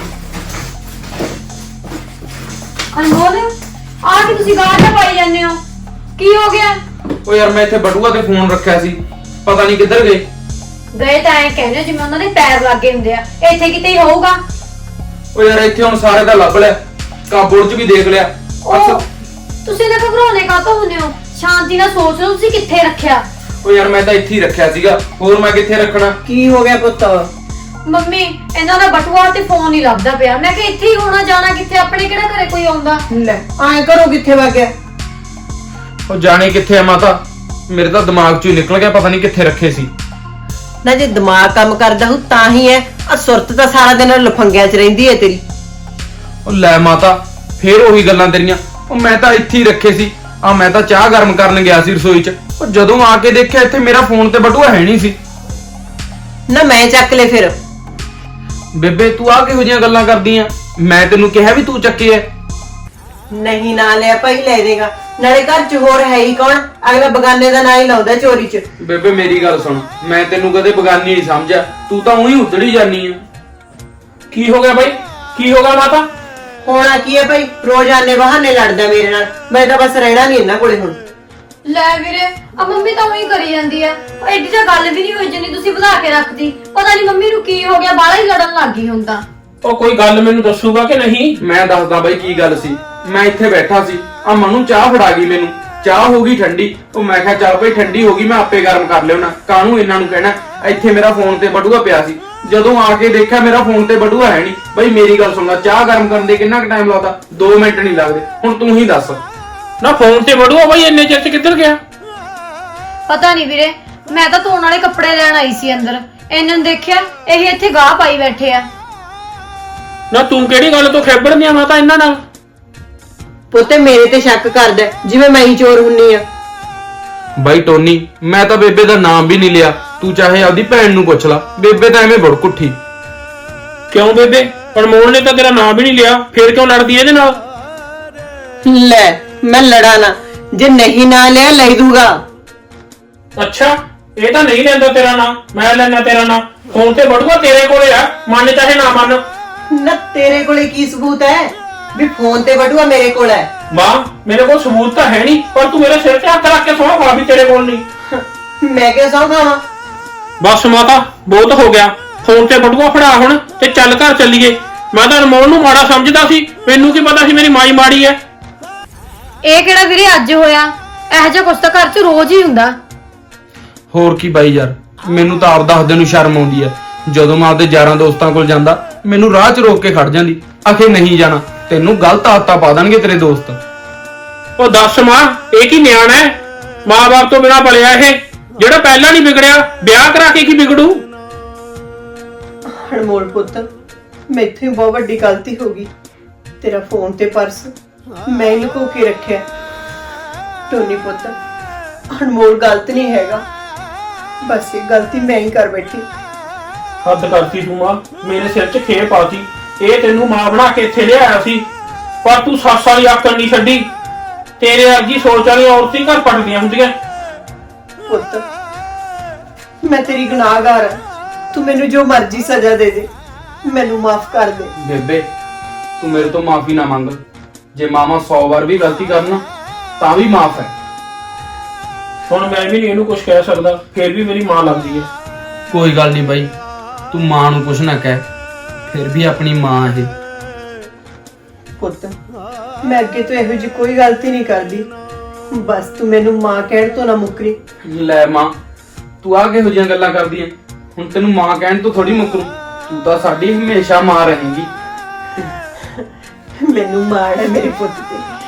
Speaker 2: ਅਨਮੋਲ ਆ ਕੇ ਤੁਸੀਂ ਗਾਹ ਤੇ ਪਾਈ ਜਾਂਦੇ ਹੋ, ਕੀ ਹੋ ਗਿਆ?
Speaker 3: ਓ ਯਾਰ ਮੈਂ ਇੱਥੇ ਬਟੂਆ ਤੇ ਫੋਨ ਰੱਖਿਆ ਸੀ, ਪਤਾ ਨਹੀਂ ਕਿੱਧਰ ਗਏ।
Speaker 2: ਗਏ ਤਾਂ ਐਂ ਕਹਿੰਦੇ ਜਿਵੇਂ ਉਹਨਾਂ ਦੇ ਪੈਰ ਲੱਗੇ ਹੁੰਦੇ ਆ, ਇੱਥੇ ਕਿਤੇ ਹੀ ਹੋਊਗਾ।
Speaker 3: ਓ ਯਾਰ ਇੱਥੇ ਹੁਣ ਸਾਰੇ ਦਾ ਲੱਭ ਲਿਆ, ਕਾਬੋਰਡ 'ਚ ਵੀ ਦੇਖ ਲਿਆ।
Speaker 2: ਉਹ ਤੁਸੀਂ ਨਾ ਘਬਰਾਉਣੇ ਕਾਹਤੋਂ ਹੁੰਦੇ ਹੋ, ਸ਼ਾਂਤੀ ਨਾਲ ਸੋਚ ਲਓ ਤੁਸੀਂ ਕਿੱਥੇ ਰੱਖਿਆ।
Speaker 3: ਓ ਯਾਰ ਮੈਂ ਤਾਂ ਇੱਥੇ ਹੀ ਰੱਖਿਆ ਸੀਗਾ, ਹੋਰ ਮੈਂ ਕਿੱਥੇ ਰੱਖਣਾ।
Speaker 1: ਕੀ ਹੋ ਗਿਆ ਪੁੱਤ?
Speaker 2: ਮੰਮੀ ਇਹਨਾਂ ਦਾ ਬਟੂਆ ਤੇ ਫੋਨ ਹੀ ਲੱਭਦਾ ਪਿਆ, ਮੈਂ ਕਿ ਇੱਥੇ ਹੀ ਹੋਣਾ, ਜਾਣਾ ਕਿੱਥੇ, ਆਪਣੇ ਕਿਹੜਾ ਘਰੇ ਕੋਈ ਆਉਂਦਾ।
Speaker 1: ਲੈ ਐਂ ਕਰੋ ਕਿੱਥੇ ਵਗ ਗਿਆ?
Speaker 3: ਉਹ ਜਾਣੇ ਕਿੱਥੇ ਆ ਮਾਤਾ, ਮੇਰੇ ਤਾਂ ਦਿਮਾਗ 'ਚੋਂ ਹੀ ਨਿਕਲ ਗਿਆ, ਪਤਾ ਨਹੀਂ ਕਿੱਥੇ ਰੱਖੇ ਸੀ।
Speaker 1: ਨਾ ਜੇ ਦਿਮਾਗ ਕੰਮ ਕਰਦਾ ਹੋ ਤਾਂ ਹੀ ਹੈ, ਆ ਸੁਰਤ ਤਾਂ ਸਾਰਾ ਦਿਨ ਲਫੰਗਿਆਂ 'ਚ ਰਹਿੰਦੀ ਹੈ ਤੇਰੀ।
Speaker 3: ਉਹ ਲੈ ਮਾਤਾ, ਫੇਰ ਉਹੀ ਗੱਲਾਂ ਤੇਰੀਆਂ। ਉਹ ਮੈਂ ਤਾਂ ਇੱਥੇ ਹੀ ਰੱਖੇ ਸੀ, ਆ ਮੈਂ ਤਾਂ ਚਾਹ ਗਰਮ ਕਰਨ ਗਿਆ ਸੀ ਰਸੋਈ 'ਚ, ਉਹ ਜਦੋਂ ਆ ਕੇ ਦੇਖਿਆ ਇੱਥੇ ਮੇਰਾ ਫੋਨ ਤੇ ਬਟੂਆ ਹੈ ਨਹੀਂ ਸੀ।
Speaker 1: ਨਾ ਮੈਂ ਚੱਕ ਲੈ ਫਿਰ।
Speaker 3: ਬੇਬੇ ਤੂੰ ਆ ਕਿਹੋ ਜਿਹੀਆਂ ਗੱਲਾਂ ਕਰਦੀ ਆ, ਮੈਂ ਤੈਨੂੰ ਕਿਹਾ ਵੀ ਤੂੰ ਚੱਕੇ ਐ।
Speaker 1: ਨਹੀਂ ਨਾ ਲਿਆ ਭਾਈ, ਲੈ ਦੇਗਾ, ਨਾਲੇ ਘਰ 'ਚ ਹੋਰ ਹੈ ਹੀ ਕੌਣ, ਅਗਲਾ ਬਗਾਨੇ ਦਾ ਨਾਂ ਹੀ ਲਾਉਂਦਾ ਚੋਰੀ 'ਚ।
Speaker 3: ਬੇਬੇ ਮੇਰੀ ਗੱਲ ਸੁਣ, ਮੈਂ ਤੈਨੂੰ ਕਦੇ ਬਗਾਨੀ ਨਹੀਂ ਸਮਝਿਆ, ਤੂੰ ਤਾਂ ਉਹੀ ਉਧੜੀ ਜਾਨੀ ਆ।
Speaker 4: ਕੀ ਹੋ ਗਿਆ ਬਾਈ, ਕੀ ਹੋ ਗਿਆ ਮਾਤਾ?
Speaker 1: ਹੋਣਾ ਕੀ ਹੈ ਭਾਈ, ਰੋਜ਼ ਆਨੇ ਬਹਾਨੇ ਲੜਦਾ ਮੇਰੇ ਨਾਲ, ਮੈਂ ਤਾਂ ਬਸ ਰਹਿਣਾ ਨਹੀਂ ਇਹਨਾਂ ਕੋਲੇ ਹੁਣ।
Speaker 2: ਲੈ ਵੀਰੇ ਆ ਮੰਮੀ ਤਾਂ ਉਹੀ ਕਰੀ ਜਾਂਦੀ ਆ, ਉਹ ਐਡੀ ਤਾਂ ਗੱਲ ਵੀ ਨਹੀਂ ਹੋਈ ਜਿੰਨੀ ਤੁਸੀਂ ਵਧਾ ਕੇ ਰੱਖਦੀ। ਪਤਾ ਨਹੀਂ ਮੰਮੀ ਨੂੰ ਕੀ ਹੋ ਗਿਆ, ਬਾਹਲਾ ਹੀ ਲੜਨ ਲੱਗ ਗਈ ਹੁਣ ਤਾਂ।
Speaker 4: ਉਹ ਕੋਈ ਗੱਲ ਮੈਨੂੰ ਦੱਸੂਗਾ ਕਿ ਨਹੀਂ?
Speaker 3: ਮੈਂ ਦੱਸਦਾ ਬਾਈ ਕੀ ਗੱਲ ਸੀ। ਮੈਂ ਇੱਥੇ ਬੈਠਾ ਸੀ, ਆ ਮਨੂੰ ਚਾਹ ਫੜਾ ਗਈ ਮੈਨੂੰ, ਚਾਹ ਹੋ ਗਈ ਠੰਡੀ। ਉਹ ਮੈਂ ਕਿਹਾ ਚੱਲ ਭਾਈ ਠੰਡੀ ਹੋ ਗਈ, ਮੈਂ ਆਪੇ ਗਰਮ ਕਰ ਲਿਆਉਣਾ, ਕਾਹਨੂੰ ਇਹਨਾਂ ਨੂੰ ਕਹਿਣਾ। ਇੱਥੇ ਮੇਰਾ ਫੋਨ ਤੇ ਬਟੂਆ ਪਿਆ ਸੀ, ਜਦੋਂ ਆ ਕੇ ਦੇਖਿਆ ਮੇਰਾ ਫੋਨ ਤੇ ਬਟੂਆ ਹੈ ਨਹੀਂ। ਬਾਈ ਮੇਰੀ ਗੱਲ ਸੁਣ ਲੈ, ਚਾਹ ਗਰਮ ਕਰਨ ਦੇ ਕਿੰਨਾ ਕੁ ਟਾਈਮ ਲੱਗਦਾ? ਦੋ ਮਿੰਟ ਨਹੀਂ ਲੱਗਦੇ। ਹੁਣ ਤੂੰ ਹੀ ਦੱਸ।
Speaker 4: ਨਾ ਫੋਨ ਤੇ ਬੜੂਆ ਬਾਈ ਇੰਨੇ ਚਿਰ 'ਚ ਕਿੱਧਰ ਗਿਆ?
Speaker 2: ਪਤਾ ਨਹੀਂ ਵੀਰੇ, ਮੈਂ ਤਾਂ ਧੋਣ ਵਾਲੇ ਕੱਪੜੇ ਲੈਣ ਆਈ ਸੀ ਅੰਦਰ, ਇਹਨਾਂ ਨੇ ਦੇਖਿਆ ਇਹ ਇੱਥੇ ਗਾਹ ਪਾਈ ਬੈਠੇ ਆ।
Speaker 4: ਨਾ ਤੂੰ ਕਿਹੜੀ ਗੱਲ ਤੋਂ ਖੇਬੜਨੀ ਆ ਮਾਤਾ ਇਹਨਾਂ ਨਾਲ?
Speaker 1: ਪੁੱਤੇ ਮੇਰੇ ਤੇ ਸ਼ੱਕ ਕਰਦਾ ਜਿਵੇਂ ਮੈਂ ਹੀ ਚੋਰ ਹੁੰਨੀ ਆ।
Speaker 3: ਬਾਈ ਟੋਨੀ, ਮੈਂ ਤਾਂ ਬੇਬੇ ਦਾ ਨਾਮ ਵੀ ਨਹੀਂ ਲਿਆ, ਤੂੰ ਚਾਹੇ ਆਪਦੀ ਭੈਣ ਨੂੰ ਪੁੱਛ ਲਾ, ਬੇਬੇ ਤਾਂ ਐਵੇਂ ਬੜਕੁੱਠੀ।
Speaker 4: ਕਿਉਂ ਬੇਬੇ, ਅਨਮੋਲ ਨੇ ਤਾਂ ਤੇਰਾ ਨਾਮ ਵੀ ਨਹੀਂ ਲਿਆ, ਫੇਰ ਕਿਉਂ ਲੜਦੀ ਇਹਦੇ ਨਾਲ?
Speaker 1: ਲੈ ਮੈਂ ਲੜਾ ਨਾ, ਜੇ ਨਹੀਂ ਨਾ ਲਿਆ ਲੈ ਦੂਗਾ।
Speaker 4: ਅੱਛਾ ਇਹ ਤਾਂ ਨਹੀਂ ਲੈਂਦਾ ਤੇਰਾ ਨਾਂ, ਮੈਂ ਲੈਣਾ ਤੇਰਾ ਨਾਂ। ਫੋਨ ਤੇ ਬੜੂਆ ਤੇਰੇ ਕੋਲੇ ਆ, ਮੰਨ ਚਾਹੇ ਨਾ ਮੰਨ।
Speaker 1: ਨਾ ਤੇਰੇ ਕੋਲੇ ਕੀ ਸਬੂਤ ਹੈ ਵੀ ਫੋਨ ਤੇ ਬਟੂਆ ਮੇਰੇ ਕੋਲ ਹੈ?
Speaker 4: ਵਾਹ, ਮੇਰੇ ਕੋਲ ਸਬੂਤ ਤਾਂ ਹੈ ਨਹੀਂ, ਪਰ ਤੂੰ ਮੇਰੇ ਸਿਰ ਤੇ ਹੱਥ ਰੱਖ ਕੇ ਸੌਂ ਖਾ ਵੀ ਤੇਰੇ ਕੋਲ ਨਹੀਂ।
Speaker 1: ਮੈਂ ਕਿਹਾ ਸੌਂ ਖਾਵਾਂ?
Speaker 4: ਬਸ ਮਾਤਾ ਬਹੁਤ ਹੋ ਗਿਆ, ਫੋਨ ਤੇ ਬਟੂਆ ਫੜਾ ਹੁਣ ਤੇ ਚੱਲ ਘਰ ਚੱਲੀਏ। ਮੈਂ ਤਾਂ ਅਨਮੋਲ ਨੂੰ ਮਾੜਾ ਸਮਝਦਾ ਸੀ, ਮੈਨੂੰ ਕੀ ਪਤਾ ਸੀ ਮੇਰੀ ਮਾਈ ਮਾੜੀ ਐ।
Speaker 2: ਇਹ ਕਿਹੜਾ ਵੀਰੇ ਅੱਜ ਹੋਇਆ, ਇਹੋ ਜਿਹਾ ਕੁਛ ਤਾਂ ਘਰ 'ਚ ਰੋਜ਼ ਹੀ ਹੁੰਦਾ।
Speaker 5: ਹੋਰ ਕੀ ਬਾਈ ਯਾਰ, ਮੈਨੂੰ ਤਾਂ ਆਪ ਦੱਸਦੇ ਨੂੰ ਸ਼ਰਮ ਆਉਂਦੀ ਹੈ। ਜਦੋਂ ਮੈਂ ਆਪਦੇ ਯਾਰਾਂ ਦੋਸਤਾਂ ਕੋਲ ਜਾਂਦਾ ਮੈਨੂੰ ਰਾਹ 'ਚ ਰੋਕ ਕੇ ਖੜ ਜਾਂਦੀ, ਆਖੇ ਨਹੀਂ ਜਾਣਾ, ਤੈਨੂੰ ਗਲਤ ਆਦਤਾਂ ਪਾ ਦੇਣਗੇ ਤੇਰੇ ਦੋਸਤ।
Speaker 4: ਉਹ ਦੱਸ ਮਾਂ, ਇਹ ਕੀ ਨਿਆਣਾ ਹੈ? ਮਾਂ-ਬਾਪ ਤੋਂ ਬਿਨਾਂ ਪਲਿਆ ਇਹ, ਜਿਹੜਾ ਪਹਿਲਾਂ ਨਹੀਂ ਵਿਗੜਿਆ ਵਿਆਹ ਕਰਾ ਕੇ ਕੀ ਵਿਗੜੂ?
Speaker 1: ਅਨਮੋਲ ਪੁੱਤ, ਮੈਥੋਂ ਹੀ ਬਹੁਤ ਵੱਡੀ ਗਲਤੀ ਹੋ ਗਈ। ਤੇਰਾ ਫੋਨ ਤੇ ਪਰਸ ਮੈਂ ਹੀ ਲੁਕੋ ਕੇ ਰੱਖਿਆ। ਟੋਨੀ ਪੁੱਤ, ਅਨਮੋਲ ਗਲਤ ਨਹੀਂ ਹੈਗਾ, ਬਸ ਇਹ ਗਲਤੀ ਮੈਂ ਹੀ ਕਰ ਬੈਠੀ।
Speaker 4: ਹੱਦ ਕਰਤੀ ਤੂੰ ਮਾਂ, ਮੇਰੇ ਸਿਰ 'ਚ ਖੇਪ ਪਾਤੀ। ਇਹ ਤੈਨੂੰ ਮਾਂ ਬਣਾ ਕੇ ਇੱਥੇ ਲਿਆਇਆ ਸੀ, ਪਰ ਤੂੰ ਸੱਸ ਵਾਲੀ ਆਕੜ ਨਹੀਂ ਛੱਡੀ। ਤੇਰੇ ਵਰਗੀ ਸੋਚ ਵਾਲੀ ਔਰਤ ਹੀ ਘਰ ਪਟਦੀਆਂ ਹੁੰਦੀਆਂ।
Speaker 1: ਪੁੱਤ, ਮੈਂ ਤੇਰੀ ਗੁਨਾਹਗਾਰ ਹਾਂ, ਤੂੰ ਮੈਨੂੰ ਜੋ ਮਰਜ਼ੀ ਸਜ਼ਾ ਦੇ ਦੇ, ਮੈਨੂੰ ਮਾਫ ਕਰ ਦੇ।
Speaker 5: ਬੇਬੇ ਤੂੰ ਮੇਰੇ ਤੋਂ ਮਾਫੀ ਨਾ ਮੰਗ, ਜੇ ਮਾਮਾ ਸੌ ਵਾਰ ਵੀ ਗਲਤੀ ਕਰਨ ਤਾਂ ਵੀ ਮਾਫ ਹੈ।
Speaker 4: ਹੁਣ ਮੈਂ ਵੀ ਨਹੀਂ ਇਹਨੂੰ ਕੁਝ ਕਹਿ ਸਕਦਾ, ਫਿਰ ਵੀ ਮੇਰੀ ਮਾਂ ਲੱਗਦੀ ਹੈ।
Speaker 5: ਕੋਈ ਗੱਲ ਨਹੀਂ ਬਾਈ, ਤੂੰ ਮਾਂ ਨੂੰ ਕੁਛ ਨਾ ਕਹਿ, ਫਿਰ ਵੀ ਆਪਣੀ ਮਾਂ ਇਹ।
Speaker 1: ਪੁੱਤ, ਮੈਂ ਅੱਗੇ ਤੋਂ ਇਹੋ ਜਿਹੀ ਕੋਈ ਗਲਤੀ ਨਹੀਂ ਕਰਦੀ, ਬਸ ਤੂੰ ਮੈਨੂੰ ਮਾਂ ਕਹਿਣ ਤੋਂ ਨਾ ਮੁੱਕਰੀ।
Speaker 5: ਲੈ ਮਾਂ, ਤੂੰ ਆ ਕਿਹੋ ਜਿਹੀਆਂ ਗੱਲਾਂ ਕਰਦੀ ਐ? ਹੁਣ ਤੈਨੂੰ ਮਾਂ ਕਹਿਣ ਤੋਂ ਥੋੜੀ ਮੁੱਕਰੂ, ਤੂੰ ਤਾਂ ਸਾਡੀ ਹਮੇਸ਼ਾ ਮਾਂ ਰਹੇਂਗੀ।
Speaker 1: ਮੈਨੂੰ ਮਾਣ ਹੈ ਮੇਰੇ ਪੁੱਤ ਤੇ।